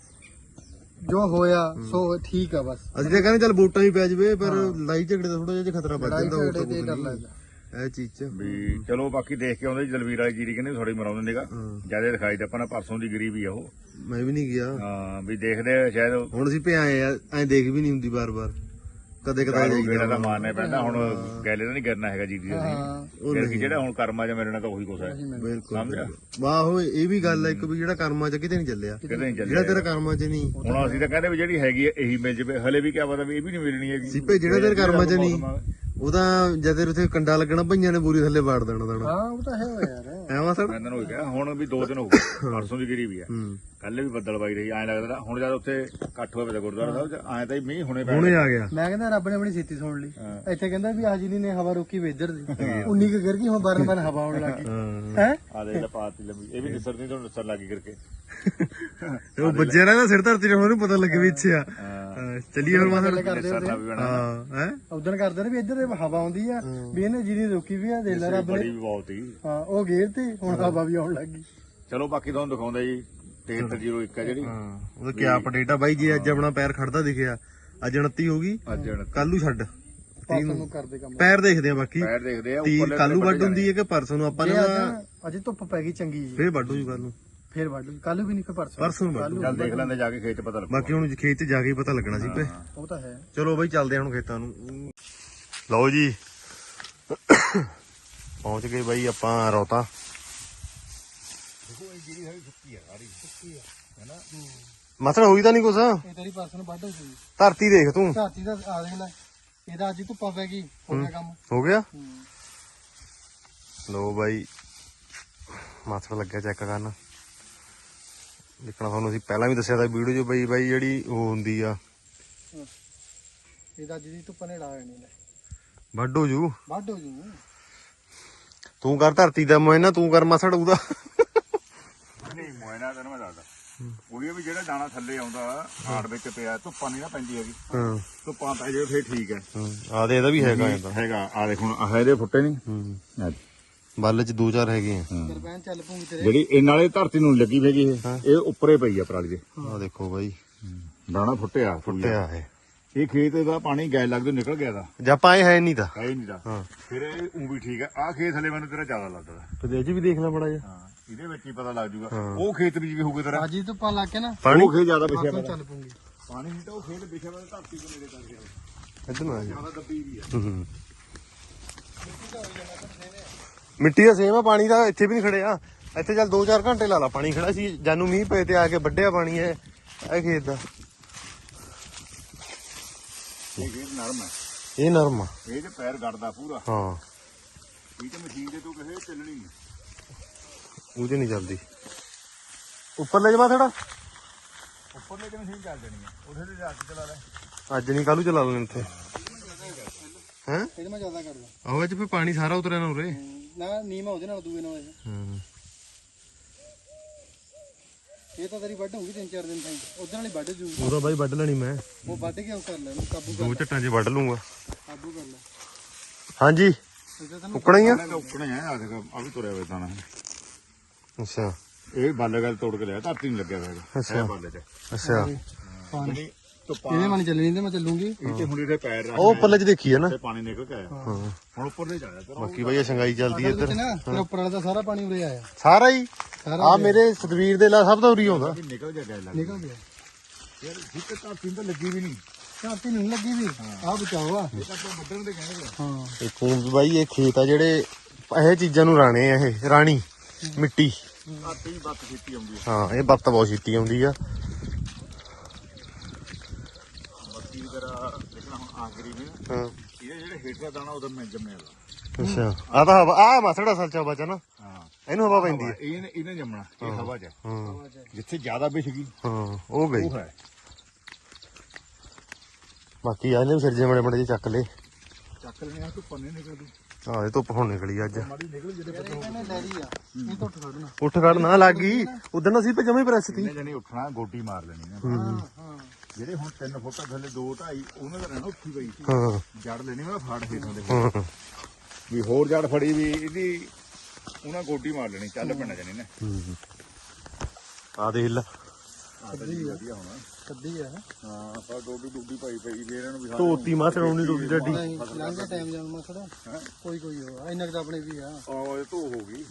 Speaker 2: ਜੋ ਹੋਇਆ ਸੋ ਠੀਕ ਆ ਬਸ
Speaker 1: ਅਸੀਂ ਤਾਂ ਕਹਿੰਦੇ ਚੱਲ ਵੋਟਾਂ ਹੀ ਪੈ ਜਵੇ ਪਰ ਲੜਾਈ ਝਗੜੇ ਦਾ ਥੋੜਾ ਜਿਹਾ ਖਤਰਾ ਵੱਜ
Speaker 2: ਲੜਾਈ
Speaker 1: ਜਾਂਦਾ
Speaker 2: ਝਗੜੇ ਤੇ ਡਰ
Speaker 1: ਹੋਰ
Speaker 2: ਲੱਗਦਾ
Speaker 1: ਇਹ ਚੀਜ਼ 'ਚ।
Speaker 3: ਵੀ ਚਲੋ ਬਾਕੀ ਦੇਖ ਕੇ ਆਉਂਦੇ ਜੀ ਦਲਵੀਰ ਵਾਲੀ ਜੀਰੀ ਕਹਿੰਦੇ ਥੋੜੀ ਮਰਾਉਂਦੇ ਨੇਗਾ ਜਿਆਦਾ ਦਿਖਾਈ ਤਾਂ ਆਪਾਂ ਨੇ ਪਰਸੋਂ ਦੀ ਗਿਰੀ ਵੀ ਆ ਉਹ
Speaker 1: ਮੈਂ ਵੀ ਨਹੀਂ ਗਿਆ
Speaker 3: ਹਾਂ ਵੀ ਦੇਖਦੇ ਆ ਸ਼ਾਇਦ
Speaker 1: ਹੁਣ ਅਸੀਂ ਭੇ ਆਏ ਆ ਐਂ ਦੇਖ ਵੀ ਨਹੀਂ ਹੁੰਦੀ ਬਾਰ-ਬਾਰ ਕਦੇ ਕਦੇ
Speaker 3: ਗੇੜਾ
Speaker 1: ਜਾਈਦਾ
Speaker 3: ਤਾਂ ਮਾਰਨਾ ਪੈਂਦਾ ਹੁਣ ਗੈਲੇ ਤਾਂ ਨਹੀਂ ਕਰਨਾ ਹੈਗਾ ਜੀਰੀ ਦਾ
Speaker 2: ਹਾਂ
Speaker 3: ਫਿਰ ਕੀ ਜਿਹੜਾ ਹੁਣ ਕਰਮਾਂ 'ਚ ਮੇਰੇ ਨਾਲ ਤਾਂ ਉਹੀ ਕੁਛ ਹੈ
Speaker 1: ਬਿਲਕੁਲ
Speaker 3: ਸਮਝਿਆ
Speaker 1: ਵਾਹ ਉਹ ਇਹ ਵੀ ਗੱਲ ਹੈ ਇੱਕ ਵੀ ਜਿਹੜਾ ਕਰਮਾਂ 'ਚ ਕਿਤੇ ਨਹੀਂ ਚੱਲਿਆ,
Speaker 3: ਕਿਤੇ ਨਹੀਂ ਚੱਲਿਆ
Speaker 1: ਜਿਹੜਾ ਤੇਰਾ ਕਰਮਾਂ 'ਚ ਨਹੀਂ
Speaker 3: ਹੁਣ ਅਸੀਂ ਤਾਂ ਕਹਿੰਦੇ ਵੀ ਜਿਹੜੀ ਹੈਗੀ ਹੈ ਇਹੀ ਮਿਲ ਜਵੇ ਹਲੇ ਵੀ ਕਿਆ ਪਤਾ ਵੀ ਇਹ ਵੀ ਨਹੀਂ ਮਿਲਣੀ ਹੈਗੀ
Speaker 1: ਸਿੱਪੇ ਜਿਹੜਾ ਤੇਰੇ ਕਰਮਾਂ 'ਚ ਨਹੀਂ ਉਹਦਾ ਜਦ ਤੇਰੇ ਉੱਥੇ ਕੰਡਾ ਲੱਗਣਾ ਭਈਆਂ ਨੇ ਬੂਰੀ ਥੱਲੇ ਵਾੜ ਦੇਣਾ ਦੇਣਾ
Speaker 2: ਹਾਂ ਉਹ ਤਾਂ ਹੈ ਓ ਯਾਰ
Speaker 1: ਐਵੇਂ ਸਰ
Speaker 3: ਮੈਂ ਇਹਨਾਂ ਨੂੰ ਕਿਹਾ ਹੁਣ ਵੀ ਦੋ ਦਿਨ ਹੋ ਗਏ ਪਰਸੋਂ ਦੀ ਗਿਰੀ ਵੀ ਆ
Speaker 1: ਹੂੰ
Speaker 3: ਕੱਲ ਵੀ ਬੱਦਲ ਬਾਈ ਰਹੀ ਐਂ ਲੱਗਦਾ ਹੁਣ ਜਦ ਉੱਥੇ ਇਕੱਠ ਹੋਇਆ ਪਿਆ ਗੁਰਦੁਆਰਾ ਸਾਹਿਬ ਚ ਐਂ ਤਾਂ ਹੀ ਮੀਂਹ ਹੁਣੇ ਪੈ
Speaker 1: ਹੁਣੇ ਆ ਗਿਆ।
Speaker 2: ਮੈਂ ਕਹਿੰਦਾ ਰੱਬ ਨੇ ਆਪਣੀ ਛੇਤੀ ਸੁਣ ਲਈ ਇੱਥੇ ਕਹਿੰਦਾ ਵੀ ਆਜੀ ਨੇ ਹਵਾ ਰੋਕੀ ਵੇ ਇੱਧਰ ਦੀ ਉਨੀ ਕੁ ਗਿਰ ਗਈ ਹੁਣ ਬਰਨ ਬਰਨ ਹਵਾ ਆਉਣ ਲੱਗੀ ਹੈ
Speaker 3: ਆ ਦੇ ਪਾਤੀ ਲੰਮੀ ਇਹ ਵੀ ਨਿਸਰ ਨਹੀਂ ਤੁਹਾਨੂੰ ਨਿਸਰ ਲੱਗੀ ਕਰਕੇ
Speaker 1: ਉਹ ਵੱਜਿਆ ਨਾ ਸਿਰ ਧਰਤੀ ਤੇ ਉਹਨੂੰ ਪਤਾ ਲੱਗੇ ਵੀ ਇੱਥੇ ਆ ਚੱਲੀਏ ਹੁਣ ਮਾਸੜ
Speaker 2: ਕਰਦੇ
Speaker 3: ਨਿਸਰ ਨਾ ਵੀ ਬਣਾ
Speaker 1: ਹਾਂ ਹੈ
Speaker 2: ਉਦੋਂ ਕਰਦੇ ਨੇ ਵੀ ਇੱਧਰ ਹਵਾ ਆਉਂਦੀ ਆ ਵੀ ਇਹਨੇ ਜਿਹਦੀ ਰੋਕੀ ਵੀ ਆ ਦੇ ਲੈ ਰੱਬ
Speaker 3: ਬੜੀ
Speaker 2: ਨੇ
Speaker 3: ਵੀ ਬਹੁਤ ਹੀ
Speaker 2: ਹਾਂ ਉਹ ਗੇਰ ਤੇ ਹੁਣ ਹਵਾ ਵੀ ਆਉਣ ਲੱਗੀ
Speaker 3: ਚਲੋ ਬਾਕੀ ਤੁਹਾਨੂੰ ਦਿਖਾਉਂਦਾ ਜੀ ਤੇਹੱਤਰ ਜ਼ੀਰੋ ਇੱਕ ਆ ਜਿਹੜੀ
Speaker 1: ਹਾਂ ਉਹਦਾ ਕੀ ਅਪਡੇਟ ਆ ਬਾਈ ਜੀ ਅੱਜ ਆਪਣਾ ਪੈਰ ਖੜਦਾ ਦਿਖਿਆ ਅੱਜ ਉਨੱਤੀ ਹੋ ਗਈ
Speaker 3: ਅੱਜ ਹੁਣ
Speaker 1: ਕੱਲ ਨੂੰ ਛੱਡ
Speaker 2: ਪਰਸੋਂ ਨੂੰ ਕਰਦੇ ਕੰਮ
Speaker 1: ਪੈਰ ਦੇਖਦੇ ਆ ਬਾਕੀ
Speaker 3: ਪੈਰ ਦੇਖਦੇ ਆ
Speaker 1: ਤੀ
Speaker 3: ਉੱਪਰਲੇ
Speaker 1: ਕੱਲ ਨੂੰ ਵੱਢ ਹੁੰਦੀ ਹੈ ਕਿ ਪਰਸੋਂ ਨੂੰ ਆਪਾਂ ਨੇ
Speaker 2: ਜੇ ਅੱਜ ਅੱਜ ਧੁੱਪ ਪੈ ਗਈ ਚੰਗੀ ਜੀ
Speaker 1: ਫੇਰ ਵੱਢੂ ਜੀ ਕੱਲ ਨੂੰ
Speaker 2: ਫੇਰ ਵੱਢ ਕੱਲ ਵੀ ਨਹੀਂ ਫੇ ਪਰਸੋਂ
Speaker 1: ਪਰਸੋਂ ਨੂੰ ਵੱਢੂ
Speaker 3: ਚੱਲ ਦੇਖ ਲੈਂਦੇ ਜਾ ਕੇ ਖੇਤ ਚ ਪਤਾ ਲੱਗੂ
Speaker 1: ਬਾਕੀ ਹੁਣ ਖੇਤ 'ਚ ਜਾ ਕੇ ਹੀ ਪਤਾ ਲੱਗਣਾ ਸੀ ਪੇ
Speaker 2: ਉਹ ਤਾਂ ਹੈ
Speaker 1: ਚਲੋ ਬਈ ਚੱਲਦੇ ਹਾਂ ਹੁਣ ਖੇਤਾਂ ਨੂੰ। ਲਓ ਜੀ ਪਹੁੰਚ ਗਏ ਬਾਈ ਆਪਾਂ ਰੌਤਾ। ਮਸਲ ਹੋਈ ਤਾਂ ਨਹੀਂ ਕੁਛ,
Speaker 2: ਇਹ ਤੇਰੀ ਪਰਸੋਂ ਨੂੰ ਵੱਢ ਸੀ
Speaker 1: ਧਰਤੀ ਦੇਖ ਤੂੰ
Speaker 2: ਧਰਤੀ ਦਾ ਆ ਦੇਖ ਲੈ ਇਹਦਾ ਅੱਜ ਹੀ ਧੁੱਪਾ ਪੈ ਗਈ ਹੋ ਗਿਆ ਕੰਮ
Speaker 1: ਹੋ ਗਿਆ।
Speaker 2: ਹੂੰ।
Speaker 1: ਲੋ ਬਾਈ ਮਸਲ ਲੱਗਿਆ ਚੈੱਕ ਕਰਨ ਦੇਖਣਾ ਤੁਹਾਨੂੰ ਅਸੀਂ ਪਹਿਲਾਂ ਵੀ ਦੱਸਿਆ ਤਾਂ ਵੀਡੀਓ 'ਚ ਬਈ ਬਾਈ ਜਿਹੜੀ ਉਹ ਹੁੰਦੀ ਆ
Speaker 2: ਇਹਦਾ ਅੱਜ ਦੀ ਧੁੱਪ ਨੇ ਲਾ ਨਹੀਂ ਲੈ
Speaker 1: ਵੱਢ ਹੋ ਜੂ।
Speaker 2: ਵੱਢ ਹੋ ਜੂ
Speaker 1: ਤੂੰ ਕਰ ਧਰਤੀ ਦਾ ਮੋਇਨਾ, ਤੂੰ ਕਰ ਮਸੜ ਉਹਦਾ।
Speaker 3: ਨਹੀਂ ਮੋਇਨਾ ਤੈਨੂੰ ਮੈਂ ਦੱਸਦਾ ਉਹੀ ਵੀ ਜਿਹੜਾ ਦਾਣਾ ਥੱਲੇ ਆਉਂਦਾ ਹਾੜ ਵਿੱਚ ਪਿਆ ਧੁੱਪਾਂ ਨਹੀਂ ਨਾ ਪੈਂਦੀ ਹੈਗੀ
Speaker 1: ਹਾਂ
Speaker 3: ਧੁੱਪਾਂ ਪੈ ਜਾਵੇ ਫੇਰ ਠੀਕ ਹੈ
Speaker 1: ਆ ਦੇ ਇਹਦਾ ਵੀ ਹੈਗਾ ਇਹਦਾ
Speaker 3: ਹੈਗਾ ਆ ਦੇਖ ਹੁਣ ਆਹ ਇਹਦੇ ਫੁੱਟੇ ਨਹੀਂ
Speaker 1: ਹੂੰ ਬੱਲ 'ਚ ਦੋ ਚਾਰ ਹੈਗੇ ਆ।
Speaker 2: ਸਰਪੰਚ ਚੱਲ ਪੂੰਗੀ ਤੇਰੇ
Speaker 3: ਜਿਹੜੀ ਇਹ ਨਾਲੇ ਧਰਤੀ ਨੂੰ ਲੱਗੀ ਹੈਗੀ ਇਹ ਇਹ ਉੱਪਰੇ ਪਈ ਆ ਪਰਾਲੀ ਦੇ
Speaker 1: ਆ ਦੇਖੋ ਬਾਈ
Speaker 3: ਦਾਣਾ ਫੁੱਟਿਆ
Speaker 1: ਫੁੱਟਿਆ ਹੈ
Speaker 3: ਇਹ ਖੇਤ ਦਾ ਪਾਣੀ ਗੈਲ ਲੱਗਦੇ ਨਿਕਲ ਗਿਆ ਦਾ
Speaker 1: ਜਾਂ ਪਾਏ ਹੈ ਨਹੀਂ ਤਾਂ
Speaker 3: ਹੈ ਹੀ ਨਹੀਂ ਦਾ
Speaker 1: ਹਾਂ
Speaker 3: ਫਿਰ ਇਹ ਉਹ ਵੀ ਠੀਕ ਹੈ ਆਹ ਖੇਤ ਹਲੇ ਮੈਨੂੰ ਤੇਰਾ ਜ਼ਿਆਦਾ ਲੱਗਦਾ
Speaker 1: ਤੇ ਇਹ 'ਚ ਵੀ ਦੇਖ ਲੈ ਬੜਾ ਜਿਹਾ
Speaker 3: ਹਾਂ ਇਹਦੇ ਵਿੱਚ ਹੀ ਪਤਾ ਲੱਗ ਜੂਗਾ ਉਹ ਖੇਤ ਵਿੱਚ ਵੀ ਹੋਊਗਾ ਤੇਰਾ
Speaker 2: ਅੱਜ ਹੀ ਧੁੱਪਾਂ ਲਾ ਕੇ ਨਾ
Speaker 1: ਪਾਣੀ
Speaker 3: ਉਹ ਖੇਤ ਜ਼ਿਆਦਾ ਪਿਛਿਆ
Speaker 2: ਪਰਸੋਂ
Speaker 3: ਪਿਆ
Speaker 2: ਚੱਲ ਪੂੰਗੀ
Speaker 3: ਪਾਣੀ ਨਹੀਂ ਤਾਂ ਉਹ ਖੇਤ ਪਿਛਿਆ ਪਿਆ ਧਰਤੀ ਦੇ ਨੇੜੇ ਕਰ ਗਿਆ
Speaker 1: ਇੱਧਰ ਨੂੰ ਆ ਜਾ।
Speaker 3: ਜ਼ਿਆਦਾ ਦੱਬੀ ਵੀ ਆ
Speaker 1: ਹੂੰ ਮਿੱਟੀ ਦਾ ਸੇਮ ਆ, ਪਾਣੀ ਦਾ ਇੱਥੇ ਵੀ ਨਹੀਂ ਖੜਿਆ। ਇੱਥੇ ਚੱਲ ਦੋ ਚਾਰ ਘੰਟੇ ਲਾ ਲਾ ਪਾਣੀ ਖੜਾ ਸੀ, ਜਾਨੂੰ ਮੀਂਹ ਪਏ ਤੇ ਆ ਕੇ ਵੱਢਿਆ ਪਾਣੀ ਹੈ ਇਹ ਖੇਤ ਦਾ।
Speaker 3: ਇਹ ਖੇਤ ਨਰਮ ਹੈ
Speaker 1: ਇਹ ਨਰਮ ਆ
Speaker 3: ਇਹ ਤੇ ਪੈਰ ਗੜਦਾ ਪੂਰਾ
Speaker 1: ਹਾਂ,
Speaker 3: ਇਹ ਤੇ ਮਸ਼ੀਨ ਦੇ ਤੂੰ ਕਹੇ ਚੱਲਣੀ ਨਹੀਂ
Speaker 1: ਉਹਦੇ ਨਹੀਂ ਚੱਲਦੀ। ਉੱਪਰ ਲੈ ਜਾਵਾ ਥੋੜਾ,
Speaker 3: ਉੱਪਰ ਲੈ ਕੇ ਮਸ਼ੀਨ ਚੱਲ ਜਾਣੀ ਹੈ ਉਹਦੇ ਤੇ ਜਾ ਕੇ ਚਲਾ ਲੈ
Speaker 1: ਅੱਜ ਨਹੀਂ ਕੱਲੂ ਚਲਾ ਲੈਣੇ ਇੱਥੇ ਹੈ।
Speaker 2: ਇਹਦੇ ਮੈਂ ਜ਼ਿਆਦਾ ਕਰਦਾ
Speaker 1: ਆਹੋ ਅੱਜ ਫੇ ਪਾਣੀ ਸਾਰਾ ਉਤਰਿਆ ਨਾ ਉਰੇ।
Speaker 2: ਨਾ ਨੀਮਾ ਉਹਦੇ ਨਾਲ ਦੂਏ ਨਾਲ ਇਹ।
Speaker 1: ਹੂੰ
Speaker 2: ਇਹ ਤਾਂ ਤੇਰੀ ਵੱਢ ਹੋਊਗੀ ਤਿੰਨ ਚਾਰ ਦਿਨ ਤਾਈਂ ਉਧਰ ਵਾਲੀ ਵੱਢ ਜੂ
Speaker 1: ਉਹਦਾ ਬਾਈ ਵੱਢ ਲੈਣੀ ਮੈਂ,
Speaker 2: ਉਹ ਵੱਢ ਕੇ ਉਹ ਕਰ ਲੈ ਉਹਨੂੰ ਕਾਬੂ ਕਰ
Speaker 1: ਦੋ ਝੱਟਾਂ 'ਚ ਵੱਢ ਲੂੰਗਾ।
Speaker 2: ਕਾਬੂ ਕਰ ਲੈ
Speaker 1: ਹਾਂਜੀ
Speaker 2: ਇਹਦਾ ਤੈਨੂੰ
Speaker 1: ਉੱਕਣਾ ਹੀ ਆ।
Speaker 3: ਤਾਂ ਉੱਕਣੇ ਆ ਆ ਦੇਖ ਆ ਵੀ ਤੁਰਿਆ ਹੋਇਆ ਦਾਣਾ
Speaker 1: ਅੱਛਾ
Speaker 3: ਇਹ ਬਾਲੇ ਗੱਲ ਤੋੜ ਕੇ ਲਿਆ ਧਰਤੀ ਨਹੀਂ ਲੱਗਿਆ ਹੋਇਆ
Speaker 1: ਅੱਛਾ।
Speaker 3: ਹੈ ਬਾਲੇ ਚ
Speaker 1: ਅੱਛਾ
Speaker 2: ਪਾਣੀ
Speaker 3: ਜਿਹੜੀ ਧੁੱਪਾਂ
Speaker 2: ਇਹਦੇ ਮਨ ਚੱਲੇ ਨਹੀਂ ਤੇ ਮੈਂ ਚੱਲੂਗੀ
Speaker 3: ਇਹ ਤੇ ਹੁਣ ਇਹਦੇ ਪੈਰ ਰੱਖ
Speaker 1: ਉਹ ਉੱਪਰਲੇ ਚ ਦੇਖੀ ਹੈ ਨਾ
Speaker 3: ਤੇ ਪਾਣੀ ਨਿਕਲ ਕੇ ਆਇਆ
Speaker 1: ਹਾਂ
Speaker 3: ਹੁਣ ਉੱਪਰ ਦੇ ਜਾਇਆ ਤੇਰਾ
Speaker 1: ਬਾਕੀ ਬਈ ਇਹ ਸੰਗਾਈ ਚੱਲਦੀ ਹੈ
Speaker 2: ਵਿੱਚ
Speaker 1: ਇੱਧਰ
Speaker 2: ਨਾ ਫਿਰ ਉੱਪਰ ਵਾਲਾ ਦਾ ਸਾਰਾ ਪਾਣੀ ਉਰੇ ਆਇਆ
Speaker 1: ਸਾਰਾ ਹੀ
Speaker 2: ਸਾਰਾ
Speaker 1: ਆ ਮੇਰੇ ਸਤਵੀਰ ਦੇ ਲਾ ਸਭ ਤੋਂ ਉਰੀ ਆਉਂਦਾ
Speaker 3: ਨਿਕਲ ਜਾ ਗਿਆ ਲੱਗ
Speaker 2: ਨਿਕਲ ਗਿਆ
Speaker 3: ਯਾਰ ਜਿੱਤ ਤਾਂ ਪਿੰਡ ਲੱਗੀ ਵੀ ਨਹੀਂ
Speaker 2: ਝਾਤੀ ਨਹੀਂ ਲੱਗੀ ਵੀ ਆ ਬਚਾਓ ਆ
Speaker 3: ਇਹ ਤਾਂ ਆਪਾਂ ਵੱਢਣ ਦੇ ਕਹਿੰਦੇ
Speaker 2: ਹਾਂ
Speaker 1: ਇਹ ਖੂਨ ਬਾਈ ਇਹ ਖੇਤ ਆ ਜਿਹੜੇ ਇਹ ਚੀਜ਼ਾਂ ਨੂੰ ਰਾਣੇ ਆ ਇਹ ਰਾਣੀ ਮਿੱਟੀ
Speaker 3: ਆਤੀ ਹੀ ਬੱਤ ਕੀਤੀ ਆਉਂਦੀ
Speaker 1: ਹਾਂ ਇਹ ਬੱਤ ਬਹੁਤ ਛੇਤੀ ਆਉਂਦੀ ਆ
Speaker 3: ਬਾਕੀ ਤੇਰਾ ਦੇਖਣਾ ਹੁਣ ਆਖਰੀ ਨੇ
Speaker 1: ਹਾਂ
Speaker 3: ਇਹ ਜਿਹੜੇ ਹੇਠਾਂ ਦਾਣਾ ਉਹਦਾ ਮੈਂ ਜੰਮਿਆ ਦਾ
Speaker 1: ਅੱਛਾ ਆ ਤਾਂ ਹਵਾ ਆ ਮਸੜਾ ਸਲਚਾ ਬਚਾ ਨਾ
Speaker 3: ਹਾਂ
Speaker 1: ਇਹਨੂੰ ਹਵਾ ਪੈਂਦੀ ਹੈ
Speaker 3: ਇਹਨੇ ਇਹਨੇ ਜੰਮਣਾ ਇਹ ਹਵਾ 'ਚ ਹੈ।
Speaker 1: ਹਾਂ
Speaker 3: ਜਿੱਥੇ ਜ਼ਿਆਦਾ ਵਿਛ ਗਈ
Speaker 1: ਹਾਂ ਉਹ ਗਈ
Speaker 3: ਉਹ ਹੈ
Speaker 1: ਬਾਕੀ ਆ ਇਹਨੇ ਸਿਰਜੇ ਮੜੇ ਮੜੇ ਚੱਕ ਲੇ
Speaker 3: ਚੱਕ ਲੈਣੇ ਆ ਤੂੰ ਪੰਨੇ ਨਿਕਲਦੀ
Speaker 1: ਆ ਇਹ ਧੁੱਪ ਹੁਣ ਨਿਕਲੀ ਅੱਜ
Speaker 3: ਮਾੜੀ ਨਿਕਲ ਜਿਹੜੇ ਪੱਤੇ
Speaker 2: ਇਹਨੇ ਡੈਰੀ ਆ ਇਹ ਤੋਂ ਉੱਠ ਖੜਨਾ
Speaker 1: ਉੱਠ ਖੜ ਨਾ ਲੱਗ ਗਈ ਉਦੋਂ ਅਸੀਂ ਤੇ ਜਮੇ ਪ੍ਰੈਸ ਤੀ
Speaker 3: ਇਹਨੇ ਜਣੀ ਉੱਠਣਾ ਗੋਟੀ ਮਾਰ ਲੈਣੀ ਨੇ
Speaker 2: ਹਾਂ ਹਾਂ
Speaker 3: ਜਿਹੜੇ ਹੁਣ ਤਿੰਨ ਫੁੱਟ ਥੱਲੇ ਦੋ ਢਾਈ ਉਹਨਾਂ ਦਾ ਰਹਿਣਾ ਉੱਠੀ ਪਈ
Speaker 1: ਹਾਂ
Speaker 3: ਜੜ ਲੈਣੀ ਮੈਂ ਫਾੜ ਹੇਠਾਂ ਦੇ
Speaker 1: ਹਾਂ
Speaker 3: ਵੀ ਹੋਰ ਜੜ ਫੜੀ ਵੀ ਇਹਦੀ ਉਹਨਾਂ ਗੋਡੀ ਮਾਰ ਲੈਣੀ ਚੱਲ ਪੈਣਾ ਜਣੀ ਨੇ
Speaker 1: ਆ ਦੇਖ ਲੈ
Speaker 3: ਕੱਢੀ ਵਧੀਆ ਹੋਣਾ
Speaker 2: ਕੱਢੀ ਆ
Speaker 3: ਹਾਂ ਪਰ ਡੋਡੀ ਡੁੱਡੀ ਪਾਈ ਪਈ ਵੀ ਇਹਨਾਂ ਨੂੰ ਵੀ
Speaker 1: ਧੋਤੀ ਮਾਂ ਚੜਾਉਣੀ ਡੋਡੀ ਡਾਡੀ
Speaker 2: ਨਹੀਂ ਲੰਘੇ ਟਾਈਮ ਜਾਣ ਮਸੜਾ ਕੋਈ ਕੋਈ ਹੋ ਇੰਨਾ ਕੁ ਤਾਂ ਆਪਣੇ ਵੀ ਆ
Speaker 3: ਆਹ ਇਹ ਧੋ ਹੋ ਗਈ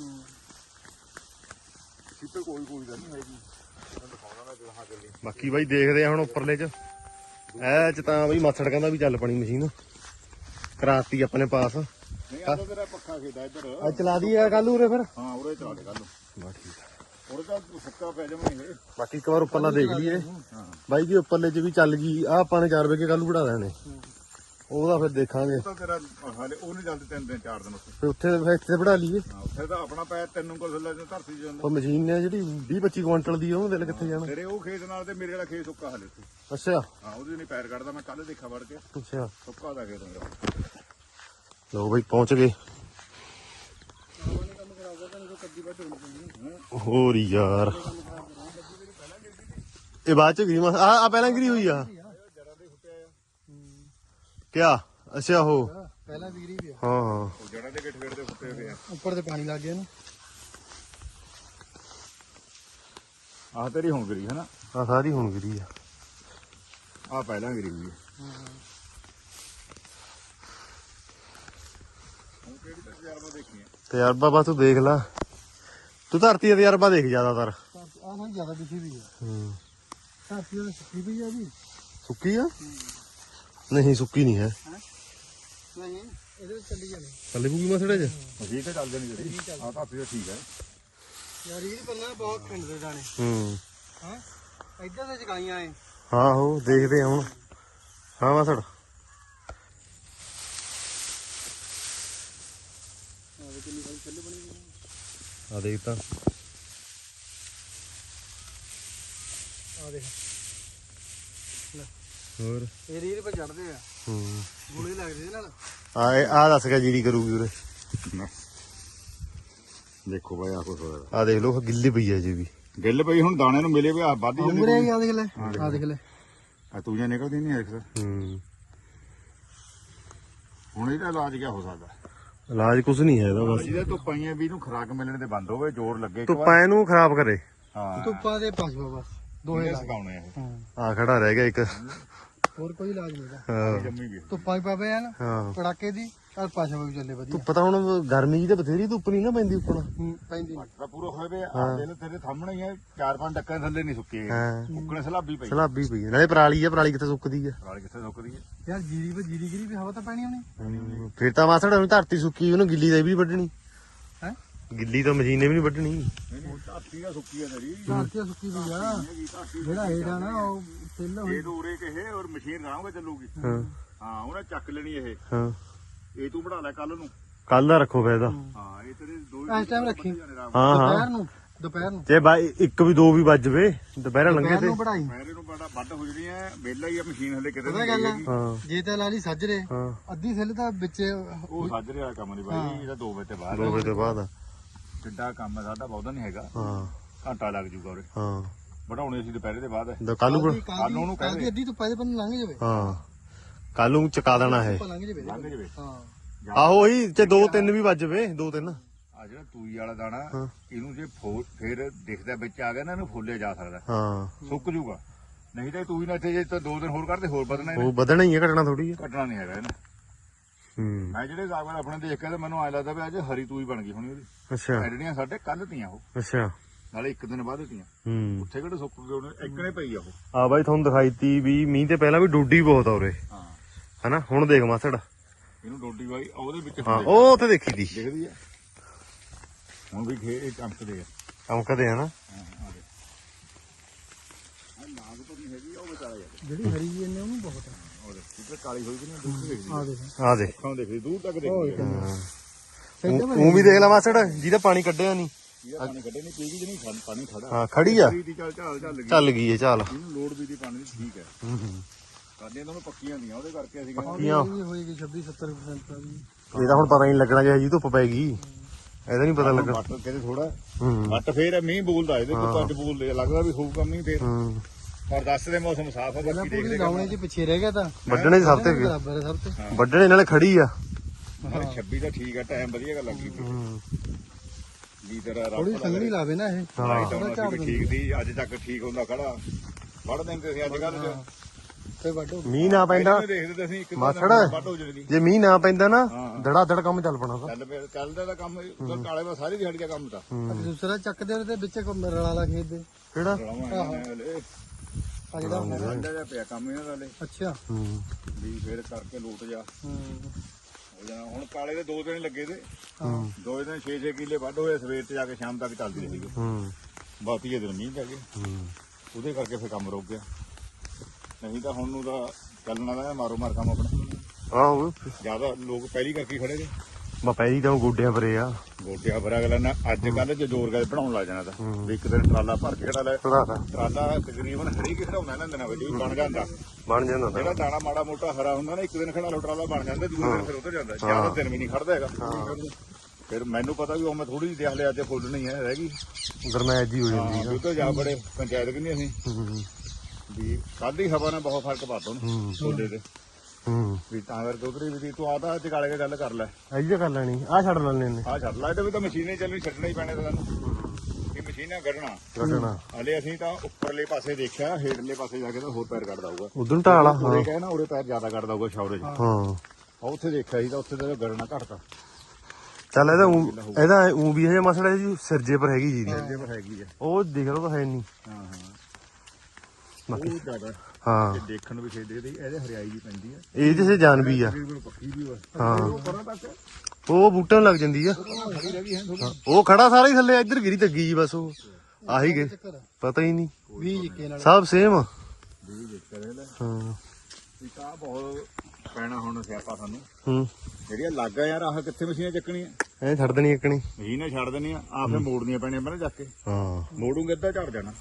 Speaker 3: ਸਿੱਪੇ ਕੋਈ ਕੋਈ ਗੱਲ ਨਹੀਂ ਹੈਗੀ ਦਿਖਾਉਣਾ ਮੈਂ ਜਹਾਂ ਚੱਲੀ
Speaker 1: ਬਾਕੀ ਬਾਈ ਦੇਖਦੇ ਆ ਹੁਣ ਉੱਪਰਲੇ ਚ ਐ ਚ ਤਾਂ ਬਈ ਮਾਸੜ ਕਹਿੰਦਾ ਵੀ ਚੱਲ ਪਣੀ ਮਸ਼ੀਨ ਕਰਾਤੀ ਆਪਣੇ ਪਾਸ
Speaker 3: ਨਹੀਂ ਆ ਤਾਂ ਤੇਰਾ ਪੱਖਾ ਖੇਦਾ ਇੱਧਰ
Speaker 1: ਆ ਚਲਾ ਦੀ ਆ ਕੱਲ ਉਰੇ ਫਿਰ
Speaker 3: ਹਾਂ ਉਰੇ ਚਲਾ ਦੇ ਕੱਲ
Speaker 1: ਬਸ ਠੀਕ ਆ
Speaker 3: ਉਰੇ ਤਾਂ ਸੁੱਕਾ ਪੈ ਜਾਵਾਂਗੇ ਇਹ
Speaker 1: ਬਾਕੀ ਇੱਕ ਵਾਰ ਉੱਪਰਲਾ ਦੇਖ ਲਈਏ
Speaker 3: ਹਾਂ
Speaker 1: ਬਾਈ ਜੀ ਉੱਪਰਲੇ ਚ ਵੀ ਚੱਲ ਗਈ ਆ ਆਪਾਂ ਨੇ ਚਾਰ ਵਜੇ ਕੱਲ ਨੂੰ ਵੜਾ ਦੇਣੇ ਉਹਦਾ ਫਿਰ ਦੇਖਾਂਗੇ
Speaker 3: ਉਹ ਤਾਂ ਤੇਰਾ ਹਾਲੇ ਉਹ ਨਹੀਂ ਚੱਲਦੇ ਤਿੰਨ ਦਿਨ ਚਾਰ ਦਿਨ ਉੱਥੇ
Speaker 1: ਫਿਰ ਉੱਥੇ ਫਿਰ ਇੱਥੇ ਵੜਾ ਲਈਏ
Speaker 3: ਹਾਂ ਉੱਥੇ ਤਾਂ ਆਪਣਾ ਪੈਰ ਤੈਨੂੰ ਕੋਲ ਥੱਲੇ ਤੇ ਧਰਤੀ 'ਚ ਜਾਂਦਾ
Speaker 1: ਉਹ ਮਸ਼ੀਨ ਨੇ ਜਿਹੜੀ ਵੀਹ ਪੱਚੀ ਕੁਇੰਟਲ ਦੀ ਉਹ ਦਿਲ ਕਿੱਥੇ ਜਾਣਾ
Speaker 3: ਤੇਰੇ ਉਹ ਖੇਤ ਨਾਲ ਤੇ ਮੇਰੇ ਵਾਲਾ ਖੇਤ ਸੁੱਕਾ ਹਲੇ ਉੱਥੇ
Speaker 1: ਅੱਛਾ
Speaker 3: ਹਾਂ ਉਹਦੇ ਨਹੀਂ ਪੈਰ ਕੱਢਦਾ ਮੈਂ ਕੱਲ ਦੇਖਾ ਵੜ ਕੇ
Speaker 1: ਅੱਛਾ
Speaker 3: ਸੁੱਕਾ ਦਾ ਖੇਤ ਹੁੰਦਾ
Speaker 1: ਲੋ ਬਈ ਪਹੁੰਚ ਗਏ ਹੋਰ ਯਾਰ ਇਹ ਬਾਅਦ ਚ ਗਈ ਮਾ ਆ ਆ ਪਹਿਲਾਂ ਗਰੀ ਹੋਈ ਆ ਕਿਆ ਅੱਛਾ ਉਹ
Speaker 2: ਪਹਿਲਾਂ ਵੀਰੀ ਵੀ ਆ
Speaker 1: ਹਾਂ ਹਾਂ
Speaker 3: ਉਹ ਜੜਾਂ ਦੇ ਗਿੱਠ ਫੇਰ ਦੇ ਫੁੱਟੇ ਹੋਏ ਆ
Speaker 2: ਉੱਪਰ ਤੇ ਪਾਣੀ ਲੱਗ ਗਿਆ ਨਾ
Speaker 3: ਆਹ ਤੇਰੀ ਹੁਣ ਗਰੀ ਹੈ ਨਾ
Speaker 1: ਆ ਸਾਰੀ ਹੁਣ ਗਰੀ ਆ
Speaker 3: ਆਹ ਪਹਿਲਾਂ ਗਰੀ ਹੋਈ ਹੈ ਹੁਣ ਕਿਹੜੀ ਤਾਂ ਤਜਰਬਾ ਦੇਖੀ ਹੈ
Speaker 1: ਤਜਰਬਾ ਬਸ ਤੂੰ ਦੇਖ ਲੈ ਤੂੰ ਧਰਤੀ ਦਾ ਤਜਰਬਾ ਦੇਖ ਜ਼ਿਆਦਾਤਰ
Speaker 2: ਆ ਥੋੜੀ ਜ਼ਿਆਦਾ ਦਿਖੀ ਵੀ ਆ
Speaker 1: ਹੂੰ
Speaker 2: ਧਰਤੀ ਉਹ ਸੁੱਕੀ ਵੀ ਆ ਜੀ
Speaker 1: ਸੁੱਕੀ ਆ ਨਹੀਂ ਸੁੱਕੀ ਨਹੀਂ ਹੈ
Speaker 2: ਨਹੀਂ ਇਹਦੇ ਵਿੱਚ ਚੱਲੀ ਜਾਣੀ
Speaker 1: ਥੱਲੇ ਬੂਗੀ ਮਸੜੇ ਚ
Speaker 3: ਮਸੀਹ ਤੇ ਚੱਲ ਜਾਣੀ ਜਿਹੜੀ ਆਹ ਤਾਂ ਫਿਰ ਠੀਕ ਹੈ
Speaker 2: ਯਾਰ ਇਹ ਬੰਨਾ ਬਹੁਤ ਪਿੰਡ ਦੇ ਦਾਣੇ
Speaker 1: ਹੂੰ
Speaker 2: ਹਾਂ ਇੱਧਰ ਤੇ ਜਗਾਈਆਂ ਐ
Speaker 1: ਹਾਂ ਹੋ ਦੇਖਦੇ ਆ ਹੁਣ ਹਾਂ ਮਸੜ ਆ ਦੇਖ ਤਾਂ
Speaker 2: ਆ ਦੇਖ
Speaker 1: ਹੋਰ
Speaker 2: ਇਹ ਰੀਲ ਪਰ ਚੜਦੇ ਆ
Speaker 1: ਹੂੰ
Speaker 2: ਗੋਲੇ ਲੱਗਦੇ ਨਾਲ
Speaker 1: ਆ ਆ ਦੱਸ ਕੇ ਜੀੜੀ ਕਰੂਗੀ ਉਰੇ
Speaker 3: ਦੇਖੋ ਬਾਈ ਆ ਕੁਛ ਹੋਇਆ
Speaker 1: ਆ ਦੇਖ ਲੋ ਗਿੱਲੀ ਪਈ ਹੈ ਜੀ ਵੀ
Speaker 3: ਗਿੱਲ ਪਈ ਹੁਣ ਦਾਣੇ ਨੂੰ ਮਿਲੇ ਵੀ ਆ ਵਾਧੀ ਜਾਂਦੀ
Speaker 2: ਉਮਰੇ ਆ ਦੇਖ ਲੈ ਆ ਦੇਖ ਲੈ
Speaker 3: ਆ ਤੂੰ ਜਾਂ ਨਿਕਲਦੀ ਨਹੀਂ ਅਕਸਰ
Speaker 1: ਹੂੰ
Speaker 3: ਹੁਣ ਇਹਦਾ ਇਲਾਜ ਕੀ ਹੋ ਸਕਦਾ
Speaker 1: ਇਲਾਜ ਕੁਛ ਨਹੀਂ ਹੈ ਇਹਦਾ ਬਸ
Speaker 3: ਜਿਹਦੇ ਤੋਂ ਪਈਆਂ ਵੀ ਇਹਨੂੰ ਖੁਰਾਕ ਮਿਲਣ ਦੇ ਬੰਦ ਹੋਵੇ ਜ਼ੋਰ ਲੱਗੇ ਇੱਕ ਵਾਰ
Speaker 1: ਧੁੱਪਾਂ ਇਹਨੂੰ ਖਰਾਬ ਕਰੇ
Speaker 3: ਹਾਂ
Speaker 2: ਧੁੱਪਾਂ ਦੇ ਪਸ਼ੂ ਬਸ ਦੋਹੇ
Speaker 3: ਇਹ
Speaker 2: ਲੱਗ
Speaker 3: ਸਿਖਾਉਣੇ ਆ ਇਹ
Speaker 2: ਹਾਂ
Speaker 1: ਆ ਖੜਾ ਰਹਿ ਗਿਆ ਇੱਕ
Speaker 2: ਹੋਰ ਕੋਈ ਇਲਾਜ ਨਹੀਂ ਦਾ
Speaker 1: ਹਾਂ
Speaker 3: ਜੰਮੀ ਵੀ
Speaker 2: ਧੁੱਪਾਂ ਵੀ ਪਾਵੇ ਹਨ
Speaker 1: ਹਾਂ
Speaker 2: ਕੜਾਕੇ ਦੀ ਔਰ ਪਸ਼ੂ ਵੀ ਚੱਲੇ ਵਧੀਆ
Speaker 1: ਧੁੱਪ ਤਾਂ ਹੁਣ ਗਰਮੀ ਜੀ ਤੇ ਬਥੇਰੀ ਧੁੱਪ ਨਹੀਂ ਨਾ ਪੈਂਦੀ ਉੱਪਰ
Speaker 2: ਹੂੰ, ਪੈਂਦੀ ਨੀ।
Speaker 3: ਤਾਂ ਪੂਰਾ ਹੋਏ ਵੇ ਆ ਦਿਨ ਤੇਰੇ ਸਾਹਮਣੇ ਹੀ ਹੈ ਚਾਰ ਪੰਜ ਡੱਕਾਂ ਥੱਲੇ ਨਹੀਂ ਸੁੱਕੇ
Speaker 1: ਹਾਂ
Speaker 3: ਉੱਕਣੇ ਸਲਾਬੀ ਪਈ
Speaker 1: ਸਲਾਬੀ ਪਈ ਹੈ। ਨਾਲੇ ਪਰਾਲੀ ਆ ਪਰਾਲੀ ਕਿੱਥੇ ਸੁੱਕਦੀ ਆ
Speaker 3: ਨਾਲ ਕਿੱਥੇ ਸੁੱਕਦੀ ਹੈ
Speaker 2: ਯਾਰ ਜੀਰੀ ਵੀ ਜੀਰੀ ਗਿਰੀ ਵੀ ਹਵਾ ਤਾਂ ਪੈਣੀ ਉਹਨੇ
Speaker 1: ਫਿਰ ਤਾਂ ਮਾਸੜ ਨੂੰ ਧਰਤੀ ਸੁੱਕੀ ਉਹਨੂੰ ਗਿੱਲੀ ਦੇ ਵੀ ਵੱਢਣੀ
Speaker 2: ਹੈ
Speaker 1: ਗਿੱਲੀ ਤਾਂ ਮਸ਼ੀਨ ਨੇ ਵੀ ਨਹੀਂ ਵੱਢਣੀ
Speaker 3: ਨਹੀਂ ਧਰਤੀ ਦਾ ਸੁੱਕੀ ਹੈ ਤੇਰੀ
Speaker 2: ਧਰਤੀ ਸੁੱਕੀ ਵੀ ਆ
Speaker 3: ਹੈਗੀ ਧਰਤੀ
Speaker 2: ਜਿਹੜਾ ਹੇਠ ਆ ਨਾ ਉਹ ਤਿੱਲ ਹੋਈ
Speaker 3: ਇਹ ਤੋਂ ਉਰੇ ਕਹੇ ਔਰ ਮਸ਼ੀਨ ਰਾਉਂਗੇ ਚੱਲੂਗੀ
Speaker 1: ਹਾਂ
Speaker 3: ਹਾਂ ਉਹਨੇ ਚੱਕ ਲੈਣੀ ਇਹ
Speaker 1: ਹਾਂ
Speaker 3: ਇਹ ਤੂੰ ਬਣਾ ਲੈ ਕੱਲ ਨੂੰ
Speaker 1: ਕੱਲ ਦਾ ਰੱਖੋ ਫਾਇਦਾ
Speaker 3: ਹਾਂ ਇਹ ਤੇਰੇ ਦੋ
Speaker 2: ਇਸ ਟਾਈਮ ਰੱਖੀ
Speaker 1: ਹਾਂ ਹਾਂ
Speaker 2: ਦੁਪਹਿਰ ਨੂੰ ਦੁਪਹਿਰ ਨੂੰ
Speaker 1: ਜੇ ਬਾਈ ਇੱਕ ਵੀ ਦੋ ਵੀ ਵੱਜ ਜਵੇ ਦੁਪਹਿਰਾਂ ਲੰਘੇ
Speaker 2: ਦੁਪਹਿਰ
Speaker 1: ਤੇ
Speaker 2: ਨੂੰ ਪੜਾਈ
Speaker 3: ਮੈਰੇ ਨੂੰ ਬੜਾ ਵੱਡ ਹੋ ਜਣੀ ਹੈ ਵਿਹਲਾ ਹੀ ਆ ਮਸ਼ੀਨ ਹਲੇ ਕਿਤੇ
Speaker 2: ਪਤਾ
Speaker 3: ਨਹੀਂ
Speaker 2: ਗੱਲ ਆ?
Speaker 3: ਹੈਗੀ
Speaker 1: ਹਾਂ
Speaker 2: ਜੇ ਤਾਂ ਲਾ ਲਈ ਸੱਜਰੇ
Speaker 1: ਹਾਂ
Speaker 2: ਅੱਧੀ ਸਿੱਲ ਤਾਂ ਵਿੱਚ
Speaker 3: ਉਹ ਸਾਜਰੇ ਵਾਲਾ ਕੰਮ ਨਹੀਂ ਬਾਈ ਇਹਦਾ ਦੋ ਵਜੇ ਤੇ ਬਾਅਦ
Speaker 1: ਦੋ ਵਜੇ ਤੋਂ ਬਾਅਦ
Speaker 3: ਕਿੱਡਾ ਕੰਮ ਹੈ ਸਾਡਾ ਬਹੁਤਾ ਨਹੀਂ ਹੈਗਾ
Speaker 1: ਹਾਂ
Speaker 3: ਘੰਟਾ ਲੱਗ ਜੂਗਾ ਉਰੇ
Speaker 1: ਹਾਂ
Speaker 3: ਬਣਾਉਣੇ ਅਸੀਂ ਦੁਪਹਿਰੇ ਦੇ ਬਾਅਦ
Speaker 1: ਕੱਲ ਨੂੰ
Speaker 3: ਕੱਲ ਨੂੰ ਉਹਨੂੰ
Speaker 2: ਕੱਲ ਦੀ ਅੱਧੀ ਤੋਂ ਪੈਦੇ ਪਰ ਲੰਘ ਜਾਵੇ
Speaker 1: ਹਾਂ ਕੱਲ ਨੂੰ ਚੁਕਾ ਦੇਣਾ ਹੈ
Speaker 2: ਆਪਾਂ ਲੰਘ ਜਾਵੇ
Speaker 3: ਲੰਘ ਜਵੇ
Speaker 2: ਹਾਂ
Speaker 1: ਆਹੋ ਹੀ ਤੇ ਦੋ ਤਿੰਨ ਵੀ ਵੱਜ ਜਵੇ ਦੋ ਤਿੰਨ
Speaker 3: ਆ ਜਿਹੜਾ ਤੂਈ ਵਾਲਾ ਦਾਣਾ
Speaker 1: ਹਾਂ।
Speaker 3: ਇਹਨੂੰ ਜੇ ਫੋ- ਫੇਰ ਦਿਖਦਾ ਵਿੱਚ ਆ ਗਿਆ ਨਾ ਇਹਨੂੰ ਫੋਲਿਆ ਜਾ ਸਕਦਾ
Speaker 1: ਹਾਂ
Speaker 3: ਸੁੱਕ ਜੂਗਾ ਨਹੀਂ ਤਾਂ ਤੂੰ ਹੀ ਨਾ ਇੱਥੇ ਜੇ ਤਾਂ ਦੋ ਦਿਨ ਹੋਰ ਕਰਦੇ ਹੋਰ ਵਧਣਾ ਇਹਨੇ
Speaker 1: ਉਹ ਵਧਣਾ ਹੀ ਹੈ, ਘਟਣਾ ਥੋੜੀ ਹੈ।
Speaker 3: ਘਟਣਾ ਨਹੀਂ ਹੈਗਾ ਇਹਨੇ।
Speaker 1: ਹੂੰ
Speaker 3: ਮੈਂ ਜਿਹੜੇ ਕਾਗਜ਼ ਆਪਣੇ ਦੇਖ ਕੇ ਤੇ ਮੈਨੂੰ ਐ ਲੱਗਦਾ ਵੀ ਅੱਜ ਹਰੀ ਤੂੰ ਹੀ ਬਣ ਗਈ ਹੋਣੀ ਉਹਦੀ।
Speaker 1: ਅੱਛਾ
Speaker 3: ਐਡੀਆਂ ਸਾਡੇ ਕੱਲ ਤੀਆਂ ਉਹ,
Speaker 1: ਅੱਛਾ
Speaker 3: ਨਾਲੇ ਇੱਕ ਦਿਨ ਬਾਅਦ ਤੀਆਂ।
Speaker 1: ਹੂੰ
Speaker 3: ਉੱਥੇ ਕਿਹੜੇ ਸੁੱਕ ਗਏ ਉਹਨੇ, ਇੱਕ ਨੇ ਪਈ ਆ ਉਹ।
Speaker 1: ਆ ਬਾਈ ਤੁਹਾਨੂੰ ਦਿਖਾਈ ਤੀ ਵੀ ਮੀਂਹ ਤੇ ਪਹਿਲਾਂ ਵੀ ਡੋਡੀ ਬਹੁਤ ਆ ਉਰੇ
Speaker 3: ਹਾਂ
Speaker 1: ਹਨਾ। ਹੁਣ ਦੇਖ ਮਾਸੜ,
Speaker 3: ਇਹਨੂੰ ਡੋਡੀ ਵਾਈ ਉਹਦੇ ਵਿੱਚ
Speaker 1: ਹਾਂ ਉਹ ਉੱਥੇ ਦੇਖੀ ਤੀ
Speaker 3: ਦਿਖਦੀ ਆ ਹੁਣ ਵੀ ਖੇ ਇਹ ਚਮਕਦੇ ਆ।
Speaker 1: ਚਮਕਦੇ ਆ ਨਾ।
Speaker 3: ਹਾਂ ਆ ਦੇ ਆ ਨਾਗ ਤੋਂ ਨਹੀਂ ਹੈਗੀ ਉਹ ਵਿਚਾਰਾ ਯਾਰ
Speaker 2: ਜਿਹੜੀ ਹਰੀ ਜੀ ਇਹਨੇ ਉਹਨੂੰ ਬਹੁਤ ਆ।
Speaker 3: ਉਹ ਦੇਖ ਕਾਲੀ ਹੋਈ ਕਿ ਨਹੀਂ ਦੂਰ ਦੇਖਦੀ
Speaker 2: ਆ ਦੇਖ
Speaker 1: ਆ ਦੇਖ
Speaker 3: ਅੱਖਾਂ ਦੇਖਦੀ ਦੂਰ ਤੱਕ ਦੇਖਦੀ ਆ।
Speaker 1: ਉਹ ਵੀ ਦੇਖ ਲੈ ਮਾਸੜ, ਜਿਹਦਾ ਪਾਣੀ ਕੱਢਿਆ ਨਹੀਂ,
Speaker 3: ਇਹਦਾ ਪਾਣੀ ਕੱਢੇ ਨਹੀਂ ਪੀਗੀ ਜਿਹਨੂੰ ਖਾ- ਪਾਣੀ ਖੜਾ
Speaker 1: ਹਾਂ ਖੜੀ ਆ,
Speaker 3: ਦੀ ਚੱਲ ਚੱਲ ਚੱਲ ਗਈ
Speaker 1: ਚੱਲ ਗਈ ਏ ਚੱਲ।
Speaker 3: ਇਹਨੂੰ ਲੋੜ ਵੀ ਦੀ ਪਾਣੀ ਦੀ ਠੀਕ ਹੈ।
Speaker 1: ਹੂੰ ਹੂੰ
Speaker 3: ਸਾਡੀਆਂ ਤਾਂ ਪੱਕੀਆਂ ਦੀਆਂ ਉਹਦੇ ਕਰਕੇ ਅਸੀਂ ਕਹਿੰਦੇ
Speaker 1: ਪੱਕੀਆਂ
Speaker 2: ਇਹ ਹੋਏਗੀ ਛੱਬੀ ਸੱਤਰ ਪਰਸੈਂਟ ਦੀ।
Speaker 1: ਇਹਦਾ ਹੁਣ ਪਤਾ ਨਹੀਂ ਲੱਗਣਾ ਜੇ ਜੀ ਧੁੱਪ ਪੈ ਗਈ, ਇਹਦਾ ਨਹੀਂ ਪਤਾ ਲੱਗਣਾ।
Speaker 3: ਵੱਟ ਕਹਿੰਦੇ ਥੋੜਾ
Speaker 1: ਹੂੰ
Speaker 3: ਵੱਟ ਫੇਰ ਮੀਂਹ ਬੋਲਦਾ ਇਹਦੇ ਕੋਲ ਪੰਜ ਬੋਲਦੇ ਲੱਗਦਾ ਵੀ ਹੋਊਗਾ ਮੀਂਹ ਫੇਰ।
Speaker 1: ਹੂੰ
Speaker 3: ਪਰ ਦੱਸ ਦੇ ਮੌਸਮ ਸਾਫ਼ ਹੈ ਬਾਕੀ
Speaker 2: ਪੂਰੀ
Speaker 3: ਦੇਖਦੇ
Speaker 2: ਲਾਉਣੇ ਚ ਪਿੱਛੇ ਰਹਿ ਗਿਆ ਤਾਂ
Speaker 1: ਵੱਢਣੇ ਚ ਸਭ ਤੇ
Speaker 2: ਬਰਾਬਰ ਹੈ ਸਭ ਤੇ।
Speaker 1: ਵੱਢਣੇ ਨਾਲੇ ਖੜੀ ਆ।
Speaker 3: ਨਾਲੇ ਛੱਬੀ ਦਾ ਠੀਕ ਹੈ ਟਾਈਮ ਵਧੀਆ ਗੱਲ ਲੱਗੀ
Speaker 1: ਹੂੰ
Speaker 3: ਜੀ ਤੇਰਾ ਰੱਬ
Speaker 2: ਥੋੜੀ ਸੰਗਣੀ ਲਾਵੇ ਨਾ ਇਹ
Speaker 1: ਹਾਂ
Speaker 3: ਤਾਂ ਵੀ ਠੀਕ ਦੀ ਅੱਜ ਤੱਕ ਠੀਕ ਹੁੰਦਾ ਖੜਾ ਵੜ ਦਿੰਦੇ ਸੀ ਅੱਜ ਕੱਲ ਚ
Speaker 2: ਤੇ ਵੱਢੋ।
Speaker 1: ਮੀਂਹ ਨਾ ਪੈਂਦਾ
Speaker 3: ਇਹਨੂੰ ਦੇਖਦੇ ਤੇ ਅਸੀਂ ਇੱਕ ਦਿਨ
Speaker 1: ਮਾਸੜ।
Speaker 3: ਵੱਢ ਹੋ ਜਾਂਦੀ
Speaker 1: ਜੇ ਮੀਂਹ ਨਾ ਪੈਂਦਾ ਨਾ
Speaker 3: ਹਾਂ।
Speaker 1: ਧੜਾ ਧੜ ਕੰਮ ਚੱਲ ਪਣਾ ਤਾਂ।
Speaker 3: ਚੱਲ ਪਿਆ ਚੱਲਦਾ ਦਾ ਕੰਮ ਉਧਰ ਕਾਲੇ ਵਾ ਸਾਰੀ ਦਿਹਾੜੀ ਦਾ ਕੰਮ ਤਾਂ
Speaker 2: ਅੱਜ ਦੂਸਰਾ ਚੱਕਦੇ ਉਹਦੇ ਵਿੱਚ ਰਲਾ ਵਾਲਾ ਖੇਤ ਦੇ
Speaker 1: ਕਿਹੜਾ?
Speaker 3: ਰਲਾਵਾਂ ਹਲੇ
Speaker 2: ਆ ਜਿਹੜਾ
Speaker 3: ਠੰਡਾ ਜਿਹਾ ਪਿਆ ਕੰਮ ਇਹਨਾਂ ਦਾ ਹਲੇ
Speaker 2: ਅੱਛਾ
Speaker 1: ਹੂੰ
Speaker 3: ਵੀ ਫੇਰ ਕਰਕੇ ਲੂਟ ਜਾ
Speaker 2: ਹੂੰ
Speaker 3: ਹੋ ਜਾਣਾ। ਹੁਣ ਕਾਲੇ ਦੇ ਦੋ ਦਿਨ ਲੱਗੇ ਤੇ
Speaker 2: ਹਾਂ
Speaker 3: ਦੋ ਦਿਨ ਛੇ ਛੇ ਕਿੱਲੇ ਵੱਢ ਹੋਏ ਸਵੇਰ ਤੇ ਜਾ ਕੇ ਸ਼ਾਮ ਤੱਕ ਚੱਲਦੀ ਰਹੀ
Speaker 1: ਹੂੰ
Speaker 3: ਬਾਕੀ ਦਿਨ ਮੀਂਹ ਪੈ ਗਏ
Speaker 1: ਹੂੰ
Speaker 3: ਉਹਦੇ ਕਰਕੇ ਫੇਰ ਕੰਮ ਰੁਕ ਗਿਆ। ਨਹੀਂ ਤਾਂ ਹੁਣ ਨੂੰ ਤਾਂ ਚੱਲਣਾ ਦਾ ਮਾਰੋ ਮਾਰ ਕੰਮ ਆਪਣਾ।
Speaker 1: ਆਹੋ
Speaker 3: ਜਿਆਦਾ ਲੋਕ ਪਹਿਲੀ ਕਰਕੇ ਖੜੇ ਨੇ
Speaker 1: ਮੈਂ ਪਹਿਲੀ ਤਾਂ ਗੋਡਿਆਂ ਪਰੇ ਆ
Speaker 3: ਗੋਟਿਆ ਭਰਾ ਅਗਲਾ ਨਾ ਅੱਜ ਕੱਲ ਜੇ ਜ਼ੋਰ ਕਰਕੇ ਬਣਾਉਣ ਲੱਗ ਜਾਣਾ ਤਾਂ ਵੀ ਇੱਕ ਦਿਨ ਟਰਾਲਾ ਭਰ ਕੇ ਖੜਾ ਲੈ
Speaker 1: ਪਤਾ
Speaker 3: ਟਰਾਲਾ ਤਕਰੀਬਨ ਹਰੀ ਕਿ ਖੜਾਉਣਾ ਇਹਨਾਂ ਦਿਨਾਂ ਵਿੱਚ ਵੀ ਬਣ ਜਾਂਦਾ।
Speaker 1: ਬਣ ਜਾਂਦਾ ਤਾਂ।
Speaker 3: ਜਿਹੜਾ ਦਾਣਾ ਮਾੜਾ ਮੋਟਾ ਹਰਾ ਹੁੰਦਾ ਨਾ ਇੱਕ ਦਿਨ ਖੜਾ ਲੋ ਟਰਾਲਾ ਬਣ ਜਾਂਦਾ ਦੂਜੇ ਦਿਨ ਫਿਰ ਉਧਰ ਜਾਂਦਾ ਜਿਆਦਾ ਦਿਨ ਵੀ ਨਹੀਂ ਖੜਦਾ ਹੈਗਾ। ਫਿਰ ਮੈਨੂੰ ਪਤਾ ਵੀ ਉਹ ਮੈਂ ਥੋੜੀ ਜਿਹੀ ਦੇਖ ਲਿਆ ਅੱਜ ਫੁੱਲਣੀ ਹੈ ਰਹਿ ਗਈ
Speaker 1: ਗਰਮੈਸ਼ ਜੀ ਹੋ ਜਾਂਦੀ
Speaker 3: ਹਾਂ ਕਿਉਂਕਿ ਜਾ ਬੜੇ ਪੰਚਾਇਤ ਕਿ ਅਸੀਂ
Speaker 1: ਹੂੰ
Speaker 3: ਵੀ ਕੱਲ ਦੀ ਹਵਾ ਨਾਲ ਬਹੁਤ ਫਰਕ ਪਾਤਾ ਉਹਨੂੰ ਛੋਲੇ ਤੇ
Speaker 1: ਹੂੰ
Speaker 3: ਵੀ ਤਾਂ ਕਰਕੇ ਉਧਰ ਵੀ ਤੂੰ ਆਦਾ ਅੱਜ ਕਾਲੇ ਕੇ ਗੱਲ ਕਰ ਲੈ
Speaker 1: ਅਜੀ ਤਾਂ ਕਰ ਲੈਣੀ ਆ ਛੱਡ ਲੈਣੇ ਨੇ
Speaker 3: ਆਹ ਛੱਡ ਲੈ ਇਹਦੇ ਵੀ ਤਾਂ ਮਸ਼ੀਨੇ ਚੱਲਣੀ ਛੱਡਣਾ ਹੀ ਪੈਣਾ ਤੁਹਾਨੂੰ ਇਹ ਮਸ਼ੀਨਾਂ ਕੱਢਣਾ
Speaker 1: ਕੱਢਣਾ।
Speaker 3: ਹਲੇ ਅਸੀਂ ਤਾਂ ਉੱਪਰਲੇ ਪਾਸੇ ਦੇਖਿਆ ਹੇਠਲੇ ਪਾਸੇ ਜਾ ਕੇ ਤਾਂ ਹੋਰ ਪੈਰ ਕੱਢਦਾ ਹੋਊਗਾ
Speaker 1: ਉਦੋਂ ਢਾਲ ਆ।
Speaker 3: ਉਹਦੇ ਕਹੇ ਨਾ ਉਹਦੇ ਪੈਰ ਜ਼ਿਆਦਾ ਕੱਢਦਾ ਹੋਊਗਾ ਸ਼ੌਰੇ ਚ
Speaker 1: ਹਾਂ
Speaker 3: ਆ ਉੱਥੇ ਦੇਖਿਆ ਸੀ ਤਾਂ ਉੱਥੇ ਤਾਂ ਗੜਨਾ ਘਟਦਾ
Speaker 1: ਚੱਲ ਇਹਦਾ ਊਂ- ਇਹਦਾ ਉਹ ਵੀ ਹੈ ਮਸਲਾ ਜੀ ਸਿਰਜੇ ਪਰ ਹੈਗੀ ਜੀ ਦੀ
Speaker 3: ਜੇ ਪਰ ਹੈਗੀ ਆ
Speaker 1: ਉਹ ਦੇਖ ਲਓ ਤਾਂ ਹੈ ਨਹੀਂ।
Speaker 3: ਹਾਂ ਹਾਂ ਉਹ ਜ਼ਿਆਦਾ
Speaker 1: ਹਾਂ
Speaker 3: ਤੇ ਦੇਖਣ ਨੂੰ ਵੀ ਖੇਡਦੇ ਦੀ ਇਹਦੇ ਹਰਿਆਈ ਵੀ ਪੈਂਦੀ ਆ
Speaker 1: ਇਹ ਜਿਹੇ ਜਾਨ ਵੀ ਆ।
Speaker 3: ਤਕਰੀਬਨ ਪੱਕੀ ਵੀ ਵਾ
Speaker 1: ਹਾਂ
Speaker 3: ਉਹ ਪਰਾਂ ਤੱਕ
Speaker 1: ਉਹ ਬੂਟਿਆਂ ਨੂੰ ਲੱਗ ਜਾਂਦੀ ਆ।
Speaker 3: ਹਰੀ ਰਹਿ ਗਈ ਹੈ ਥੋੜੀ
Speaker 1: ਉਹ ਖੜਾ ਸਾਰਾ ਹੀ ਥੱਲੇ ਇੱਧਰ ਗਿਰੀ ਤੱਗੀ ਜੀ ਬਸ ਉਹ ਆਹੀ ਗਏ
Speaker 2: ਚੱਕਰ
Speaker 1: ਪਤਾ ਹੀ ਨਹੀਂ
Speaker 2: ਵੀਹ ਜਿੱਕੇ ਨਾਲ
Speaker 1: ਸਭ ਸੇਮ।
Speaker 3: ਵੀ ਦੇਖ ਰਹੇ ਲੈ
Speaker 1: ਹਾਂ
Speaker 3: ਵੀ ਤਾਂ ਬਹੁਤ ਪੈਣਾ ਹੁਣ ਸਿਆਪਾ ਸਾਨੂੰ
Speaker 1: ਹੂੰ
Speaker 3: ਜਿਹੜੀਆਂ ਲੱਗਾ ਯਾਰ ਆਹ ਕਿੱਥੇ ਮਸ਼ੀਨਾਂ ਚੱਕਣੀਆਂ
Speaker 1: ਐ ਛੱਡ ਦੇਣੀ ਇੱਕਣੀ।
Speaker 3: ਮਸ਼ੀਨਾਂ ਛੱਡ ਦੇਣੀਆਂ ਆ ਫੇ ਮੋੜਨੀਆਂ ਪੈਣੀਆਂ ਪਹਿਲਾਂ ਚੱਕ ਕੇ
Speaker 1: ਹਾਂ
Speaker 3: ਮੋੜੂਗੇ ਅੱਧਾ ਝੜ ਜਾਣਾ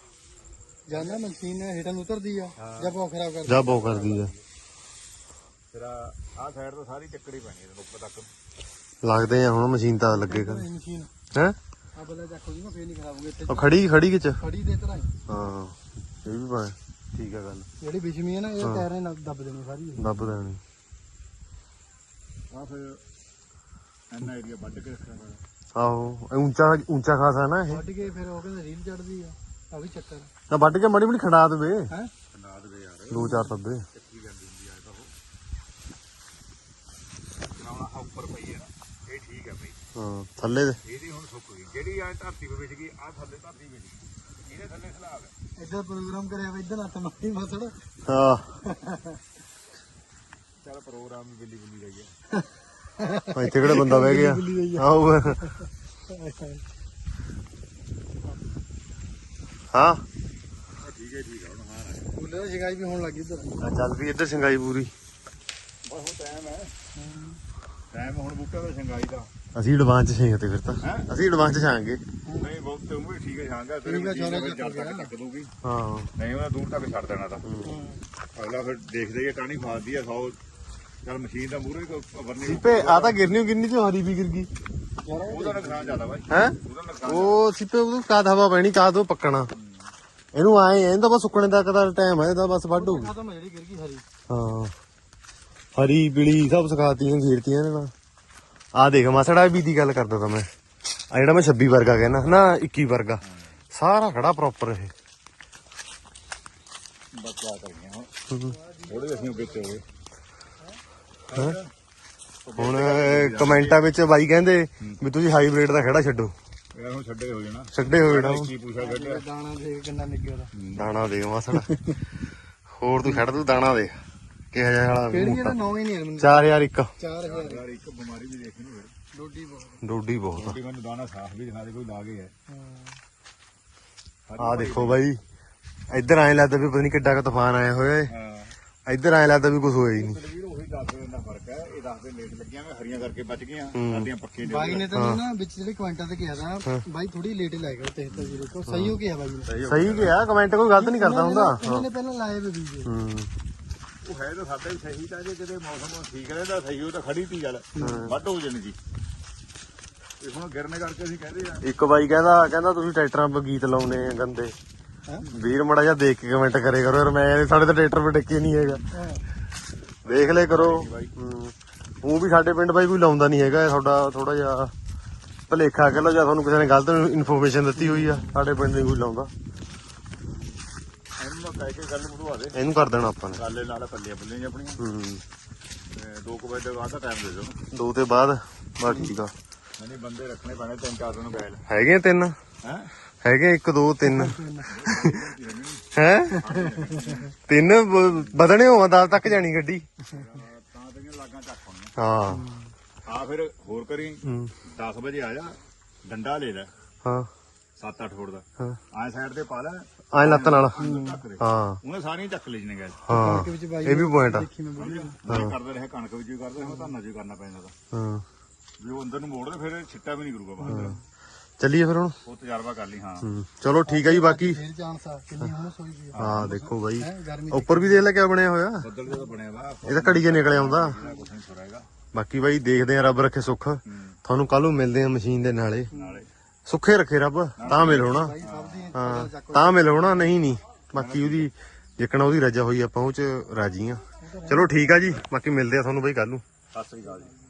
Speaker 2: ਜਾਂਦਾ ਮਸ਼ੀਨ ਹੇਠਾਂ ਨੂੰ ਉਤਰਦੀ ਆ ਜਾਂ ਬਹੁਤ ਖਰਾਬ ਕਰਦੀ
Speaker 1: ਜਾ ਬਹੁ ਕਰਦੀ ਆ।
Speaker 3: ਫਿਰ ਆਹ ਸਾਈਡ ਤੋਂ ਸਾਰੀ ਚੱਕੜੀ ਪੈਣੀ ਇਹਨੂੰ ਉੱਪਰ ਤੱਕ
Speaker 1: ਲੱਗਦੇ ਆ ਹੁਣ ਮਸ਼ੀਨ ਤਾਂ ਲੱਗੇ ਕਰ
Speaker 2: ਇਹ ਮਸ਼ੀਨ
Speaker 1: ਹੈ।
Speaker 2: ਆ ਬੱਲਾ ਚੱਕ ਲਈ ਨਾ ਫੇਰ ਨਹੀਂ ਖਰਾਬ ਹੋਊਗੀ ਇੱਥੇ
Speaker 1: ਉਹ ਖੜੀ ਖੜੀ ਕਿਚ
Speaker 2: ਖੜੀ ਦੇ ਤਰ੍ਹਾਂ ਹੀ।
Speaker 1: ਹਾਂ ਇਹ ਵੀ ਪਾ ਠੀਕ ਆ ਗੱਲ
Speaker 2: ਜਿਹੜੀ ਵਿਛਮੀ ਹੈ ਨਾ ਇਹ ਟਾਇਰਾਂ ਨਾਲ ਦੱਬ ਦੇਣੀ ਸਾਰੀ ਇਹ।
Speaker 1: ਦੱਬ ਦੇਣੀ।
Speaker 3: ਆ ਫਿਰ ਐਨਾ ਏਰੀਆ ਵੱਢ ਕੇ ਰੱਖਿਆ ਹੋਇਆ
Speaker 1: ਆਹੋ ਇਹ ਉੱਚਾ ਉੱਚਾ ਖਾਸਾ ਨਾ ਇਹ।
Speaker 2: ਵੱਢ ਕੇ ਫਿਰ ਉਹ ਕਹਿੰਦੇ ਰੀਲ ਚੜਦੀ ਆ ਆ ਵੀ ਚੱਕਰ
Speaker 1: ਨਾ ਵੱਢ ਕੇ ਮੜੀ ਮੜੀ ਖੜਾ ਦੇਵੇ
Speaker 2: ਹੈ
Speaker 3: ਨਾ ਦੇਵੇ ਯਾਰ
Speaker 1: ਦੋ ਚਾਰ ਤੱਬੇ।
Speaker 3: ਚੱਕੀ ਜਾਂਦੀ ਹੁੰਦੀ ਆ ਤਾਂ ਉਹ ਨਾ ਉੱਪਰ ਪਈ ਹੈ ਨਾ ਇਹ ਠੀਕ ਹੈ ਬਈ
Speaker 1: ਹਾਂ ਥੱਲੇ ਦੇ
Speaker 3: ਇਹਦੀ ਹੁਣ ਸੁੱਕ ਗਈ ਜਿਹੜੀ ਆ ਧਰਤੀ 'ਤੇ ਵਿਛ ਗਈ ਆ ਥੱਲੇ ਧਰਤੀ ਵਿਛ ਗਈ ਇਹਦੇ ਥੱਲੇ ਸਲਾਬ ਹੈ
Speaker 2: ਇੱਧਰ ਪ੍ਰੋਗਰਾਮ ਕਰਿਆ ਵਾ ਇੱਧਰ ਹੱਥ ਮਾਰੀ ਮਸੜ
Speaker 1: ਹਾਂ
Speaker 3: ਚੱਲ ਪ੍ਰੋਗਰਾਮ ਵੀ ਬਿੱਲੀ ਬਿੱਲੀ ਰਹਿ ਗਿਆ
Speaker 1: ਇੱਥੇ ਕਿਹੜਾ ਬੰਦਾ ਬਹਿ ਗਿਆ ਆਹੋ ਹਾਂ
Speaker 3: ਠੀਕ ਹੈ ਠੀਕ ਹੈ ਹੁਣ ਹਾਂ
Speaker 2: ਬੁੱਲੇ ਦੀ ਸ਼ਿਕਾਇਤ ਵੀ ਹੋਣ ਲੱਗੀ ਇੱਧਰ
Speaker 1: ਚੱਲ ਵੀ ਇੱਧਰ ਸਿੰਗਾਈ ਪੂਰੀ।
Speaker 3: ਬਸ ਹੁਣ ਟਾਈਮ ਹੈ ਟਾਈਮ ਹੁਣ ਬੂਟਾ ਦਾ ਸ਼ੰਗਾਈ ਦਾ
Speaker 1: ਅਸੀਂ ਐਡਵਾਂਸ ਛੇਂਗ ਤੇ ਫਿਰ ਤਾਂ
Speaker 3: ਹੈਂ?
Speaker 1: ਅਸੀਂ ਐਡਵਾਂਸ ਛਾਂਗੇ।
Speaker 3: ਨਹੀਂ ਬਹੁਤ ਤੇ ਉਹ ਵੀ ਠੀਕ ਹੈ ਸ਼ਾਂਗਾ ਤੇਰੇ
Speaker 2: ਠੀਕ ਹੈ,
Speaker 3: ਮਸ਼ੀਨ
Speaker 2: ਸਾਰਾ
Speaker 3: ਜਦ
Speaker 2: ਚੱਕ
Speaker 3: ਤੱਕ
Speaker 2: ਗਿਆ।
Speaker 3: ਚੱਕ ਦੂਗੀ
Speaker 1: ਹਾਂ
Speaker 3: ਨਹੀਂ ਉਹਨਾਂ ਦੂਰ ਤੱਕ ਛੱਡ ਦੇਣਾ ਤਾਂ ਅਗਲਾ ਫਿਰ ਦੇਖਦੇ ਕਿ ਕਾਹਨੀ ਫਾਸਦੀ ਆ ਸੌ ਚੱਲ ਮਸ਼ੀਨ ਦਾ ਮੂਹਰੇ ਵਰਨੀ
Speaker 1: ਸੀਪੇ ਆ ਤਾਂ ਗਿਰਨੀ ਓ ਗਿਰਨੀ ਤੇ ਹਰੀ ਵੀ ਗਿਰ ਗਈ
Speaker 3: ਉਹਦਾ ਨੁਕਸਾਨ ਜ਼ਿਆਦਾ ਬਾਈ
Speaker 1: ਹੈ।
Speaker 3: ਉਹਦਾ ਨੁਕਸਾਨ
Speaker 1: ਉਹ ਸੀਪੇ ਉਹ ਕਾਦ ਹਵਾ ਪੈਣੀ ਕਾਦ ਉਹ ਪੱਕਣਾ ਇਹਨੂੰ ਆਏ ਇਹਨੂੰ ਤਾਂ ਬਸ ਸੁੱਕਣੇ ਤੱਕ ਦਾ ਟਾਈਮ ਹੈ ਇਹਦਾ ਬਸ ਵੱਢ ਹੋਊਗੀ।
Speaker 2: ਖਤਮ ਜਿਹੜੀ ਗਿਰ ਗਈ ਹਰੀ
Speaker 1: ਹਾਂ ਹਰੀ ਪੀਲੀ ਸਭ ਸਿਖਾਤੀਆਂ ਘੇਰਤੀਆਂ ਨੇ ਨਾ। ਆ ਦੇਖ ਮਾਸੜਾ ਵੀ ਦੀ ਗੱਲ ਕਰਦਾ ਤਾਂ ਮੈਂ ਆ ਜਿਹੜਾ ਮੈਂ ਛੱਬੀ ਵਰਗਾ ਕਹਿੰਦਾ ਨਾ ਇੱਕੀ ਵਰਗਾ ਸਾਰਾ ਖੜਾ ਪ੍ਰੋਪਰ ਇਹ
Speaker 3: ਬਸ ਆ ਕਰੀਏ ਹੁਣ ਥੋੜੇ ਅਸੀਂ ਉੱਤੇ ਹੋਏ
Speaker 1: ਹੁਣ ਕਮੈਂਟਾਂ ਵਿੱਚ ਬਾਈ ਕਹਿੰਦੇ ਵੀ ਤੁਸੀਂ ਹਾਈਬ੍ਰਿਡ ਦਾ ਖੜਾ ਛੱਡੋ
Speaker 3: ਯਾਰ ਹੁਣ ਛੱਡੇ ਹੋ ਜਾਣਾ
Speaker 1: ਛੱਡੇ ਹੋਏ ਨਾ
Speaker 3: ਕੀ ਪੁੱਛਿਆ ਛੱਡਿਆ
Speaker 2: ਦਾਣਾ ਦੇਖ ਕਿੰਨਾ ਨਿੱਗਿਆ ਉਹਦਾ
Speaker 1: ਦਾਣਾ ਦੇ ਮਾਸੜ ਹੋਰ ਤੂੰ ਛੱਡ ਤੂੰ ਦਾਣਾ ਦੇ ਕਿਹੋ ਜਿਹਾ ਵਾਲਾ
Speaker 2: ਕਿਹੜੀ
Speaker 1: ਮੋਟਾ
Speaker 2: ਇਹਦਾ ਨੌਂ ਹੀ ਨਹੀਂ ਮੈਨੂੰ
Speaker 1: ਚਾਰ ਹਜ਼ਾਰ ਇੱਕ
Speaker 2: ਚਾਰ ਹਜ਼ਾਰ
Speaker 3: ਯਾਰ ਇੱਕ ਬਿਮਾਰੀ ਵੀ ਦੇਖੀ ਨੂੰ ਫਿਰ
Speaker 2: ਡੋਡੀ ਬਹੁਤ
Speaker 1: ਡੋਡੀ ਬਹੁਤ
Speaker 3: ਛੋਟੀ ਮੈਨੂੰ ਦਾਣਾ ਸਾਫ਼ ਵੀ ਦਿਖਾ ਦੇ ਕੋਈ ਲਾ ਗਿਆ
Speaker 2: ਹਾਂ
Speaker 1: ਆ ਦੇਖੋ ਬਾਈ ਇੱਧਰ ਐਂ ਲੱਗਦਾ ਵੀ ਪਤਾ ਨਹੀਂ ਕਿੱਡਾ ਕ ਤੂਫਾਨ ਆਇਆ ਹੋਇਆ ਏ
Speaker 3: ਹਾਂ
Speaker 1: ਇੱਧਰ ਐਂ ਲੱਗਦਾ ਵੀ ਕੁਝ ਹੋਇਆ ਹੀ ਨਹੀਂ
Speaker 3: ਵੀਰ ਉਹੀ ਦੱਸ ਦਿਨ ਦਾ ਫਰਕ ਹੈ ਇਹ ਦੱਸ ਦਿਨ ਲੇਟ ਲੱਗੀਆਂ ਮੈਂ ਹਰੀਆਂ ਕਰਕੇ ਬਚ ਗਈਆਂ ਸਾਡੀਆਂ ਪੱਕੇ ਨੇ
Speaker 2: ਬਾਈ ਨੇ ਤਾਂ ਨਾ ਵਿੱਚ ਜਿਹੜੇ ਕਮੈਂਟਾਂ ਤੇ ਕਿਹਾ ਤਾਂ ਬਾਈ ਥੋੜੀ ਲੇਟ ਲਾਇਆ ਕਰ ਤੇਹਤਰ ਜੀਰੋ ਤੋਂ ਸਹੀ ਹੋ ਗਿਆ ਬਾਈ ਨੇ
Speaker 1: ਸਹੀ ਗਿਆ ਕਮੈਂਟ ਕੋਈ ਗਲਤ ਨਹੀਂ ਕਰਦਾ ਹੁੰਦਾ
Speaker 2: ਉਹਨਾਂ ਨੇ ਪਹਿਲਾਂ ਲਾਏ ਵੇ ਬੀਜ
Speaker 1: ਹੂੰ
Speaker 3: ਉਹ ਹੈ ਤਾਂ ਸਾਡੇ ਵੀ ਸਹੀ ਤਾਂ ਜੇ ਕਿਤੇ ਮੌਸਮ ਠੀਕ ਰਹਿੰਦਾ ਸਹੀ ਉਹ ਤਾਂ ਖੜੀ ਤੀ ਗੱਲ ਵੱਢ ਹੋ ਜਾਣੀ ਸੀ ਇਹ ਹੁਣ ਗਿਰਨੇ ਕਰਕੇ ਅਸੀਂ ਕਹਿੰਦੇ ਆ
Speaker 1: ਇੱਕ ਬਾਈ ਕਹਿੰਦਾ ਕਹਿੰਦਾ ਤੁਸੀਂ ਟਰੈਕਟਰਾਂ 'ਤੇ ਗੀਤ ਲਾਉਨੇ ਆ ਗੰਦੇ ਵੀਰ ਮੜਾ ਜਿਹਾ ਦੇਖ ਕੇ ਕਮੈਂਟ ਕਰੇ ਕਰੋ ਯਾਰ ਮੈਂ ਸਾਡੇ ਤਾਂ ਟਰੈਕਟਰ 'ਤੇ ਟਿੱਕੇ ਨਹੀਂ ਹੈਗਾ ਦੇਖ ਲੈ ਕਰੋ ਉਹ ਵੀ ਸਾਡੇ ਪਿੰਡ ਬਾਈ ਕੋਈ ਲਾਉਂਦਾ ਨਹੀਂ ਹੈਗਾ ਤੁਹਾਡਾ ਥੋੜਾ ਜਿਹਾ ਭਲੇਖਾ ਕਹਿ ਲਓ ਜਾਂ ਤੁਹਾਨੂੰ ਕਿਸੇ ਨੇ ਗਲਤ ਇਨਫੋਰਮੇਸ਼ਨ ਦਿੱਤੀ ਹੋਈ ਆ ਸਾਡੇ ਪਿੰਡ ਨਹੀਂ ਕੋਈ ਲਾਉਂਦਾ
Speaker 3: ਇਹਨੂੰ ਕਹਿ ਕੇ ਗੱਲ ਮੁੜਵਾ ਦੇ
Speaker 1: ਇਹਨੂੰ ਕਰ ਦੇਣਾ ਆਪਾਂ ਨੇ
Speaker 3: ਕਾਲੇ ਨਾਲ ਪੱਲੀਆਂ ਪੱਲੀਆਂ ਆਪਣੀਆਂ
Speaker 1: ਹੂੰ
Speaker 3: ਤੇ ਦੋ ਕੁ ਵਜੇ ਦੇ ਬਾਅਦ ਦਾ ਟਾਈਮ ਦੇ ਦਿਓ
Speaker 1: ਦੋ ਤੇ ਬਾਅਦ ਬਸ ਠੀਕ ਆ
Speaker 3: ਨਹੀਂ ਬੰਦੇ ਰੱਖਣੇ ਪੈਣੇ ਤਿੰਨ ਚਾਰ ਦਿਨ ਬੈਲ
Speaker 1: ਹੈਗੇ ਤਿੰਨ
Speaker 3: ਹੈ
Speaker 1: ਹੈਗੇ ਇੱਕ ਦੋ ਤਿੰਨ ਹੈ ਤਿੰਨ ਬ- ਵਧਣੇ ਹੋਵਾਂ ਦਸ ਤੱਕ ਜਾਣੀ ਗੱਡੀ
Speaker 3: ਤਾਂ ਤੇਰੀਆਂ ਲਾਗਾਂ ਚੱਕ ਹੋਣੀਆਂ
Speaker 1: ਹਾਂ
Speaker 3: ਆ ਫਿਰ ਹੋਰ ਕਰੀ
Speaker 1: ਹੂੰ,
Speaker 3: ਦਸ ਵਜੇ ਆ ਜਾ ਡੰਡਾ ਲੈ ਲੈ
Speaker 1: ਹਾਂ
Speaker 3: ਸੱਤ ਅੱਠ ਫੁੱਟ ਦਾ
Speaker 1: ਹਾਂ
Speaker 3: ਆਏ ਸਾਈਡ ਤੇ ਪਾ ਲੈ
Speaker 1: ਐ ਲੱਤ ਨਾਲ
Speaker 3: ਢੱਕ ਦੇ
Speaker 1: ਹਾਂ
Speaker 3: ਉਹਨੇ ਸਾਰੀਆਂ ਚੱਕ ਲਈ ਜਨੇ ਗਏ
Speaker 1: ਹਾਂ
Speaker 2: ਵਿੱਚ ਬਾਈ
Speaker 1: ਇਹ ਵੀ ਪੁਆਇੰਟ ਆ
Speaker 2: ਦੇਖੀ ਮੈਂ ਵੀਡੀਓ
Speaker 3: ਮੈਂ ਕਰਦੇ ਰਹੇ ਕਣਕ ਵਿੱਚ ਵੀ ਕਰਦੇ ਰਹੇ ਧਾਨਾਂ 'ਚ ਵੀ ਕਰਨਾ ਪੈਂਦਾ ਤਾਂ
Speaker 1: ਹਾਂ
Speaker 3: ਵੀ ਉਹ ਅੰਦਰ ਨੂੰ ਮੋੜਦੇ ਫਿਰ ਛਿੱਟਾ ਵੀ ਨਹੀਂ ਕਰੂਗਾ ਬਾਹਰ
Speaker 1: ਚੱਲੀਏ ਫਿਰ ਹੁਣ
Speaker 3: ਉਹ ਤਜਰਬਾ ਕਰ ਲਈ ਹਾਂ
Speaker 1: ਹੂੰ, ਚਲੋ ਠੀਕ ਆ ਜੀ ਬਾਕੀ
Speaker 2: ਫੇਰ ਚਾਂਸ ਆ ਕਿੰਨੀ ਹੁਮਸ ਹੋਈ ਵੀ
Speaker 1: ਹਾਂ ਦੇਖੋ ਬਾਈ
Speaker 2: ਹੈ ਗਰਮੀ
Speaker 1: ਉੱਪਰ ਵੀ ਦੇਖ ਲੈ ਕਿਆ ਬਣਿਆ ਹੋਇਆ
Speaker 3: ਬੱਦਲ ਜਿਹੜਾ ਬਣਿਆ ਵਾ
Speaker 1: ਇਹ ਤਾਂ ਘੜੀ ਕੇ ਨਿਕਲ ਆਉਂਦਾ
Speaker 3: ਕੁਛ ਨਹੀਂ ਸੁਰਾਏਗਾ
Speaker 1: ਬਾਕੀ ਬਾਈ ਦੇਖਦੇ ਆ ਰੱਬ ਰੱਖੇ ਸੁੱਖ ਤੁਹਾਨੂੰ ਕੱਲ ਨੂੰ ਮਿਲਦੇ ਆ ਮਸ਼ੀਨ ਦੇ ਨਾਲੇ
Speaker 3: ਨਾਲੇ
Speaker 1: ਸੁੱਖੇ ਰੱਖੇ ਰੱਬ ਤਾਂ ਮਿਲ ਹੋਣਾ
Speaker 2: ਸਭ ਦੀ
Speaker 1: ਹਾਂ ਤਾਂ ਮਿਲ ਹੋਣਾ ਨਹੀਂ ਨਹੀਂ ਬਾਕੀ ਉਹਦੀ ਜਿੱਕਣਾ ਉਹਦੀ ਰਜਾ ਹੋਈ ਆਪਾਂ ਉਹ ਚ ਰਾਜੀ ਆ ਚਲੋ ਠੀਕ ਆ ਜੀ ਬਾਕੀ ਮਿਲਦੇ ਆ ਤੁਹਾਨੂੰ ਬਾਈ ਕੱਲ ਨੂੰ
Speaker 3: ਸਤਿ ਸ੍ਰੀ ਅਕਾਲ ਜੀ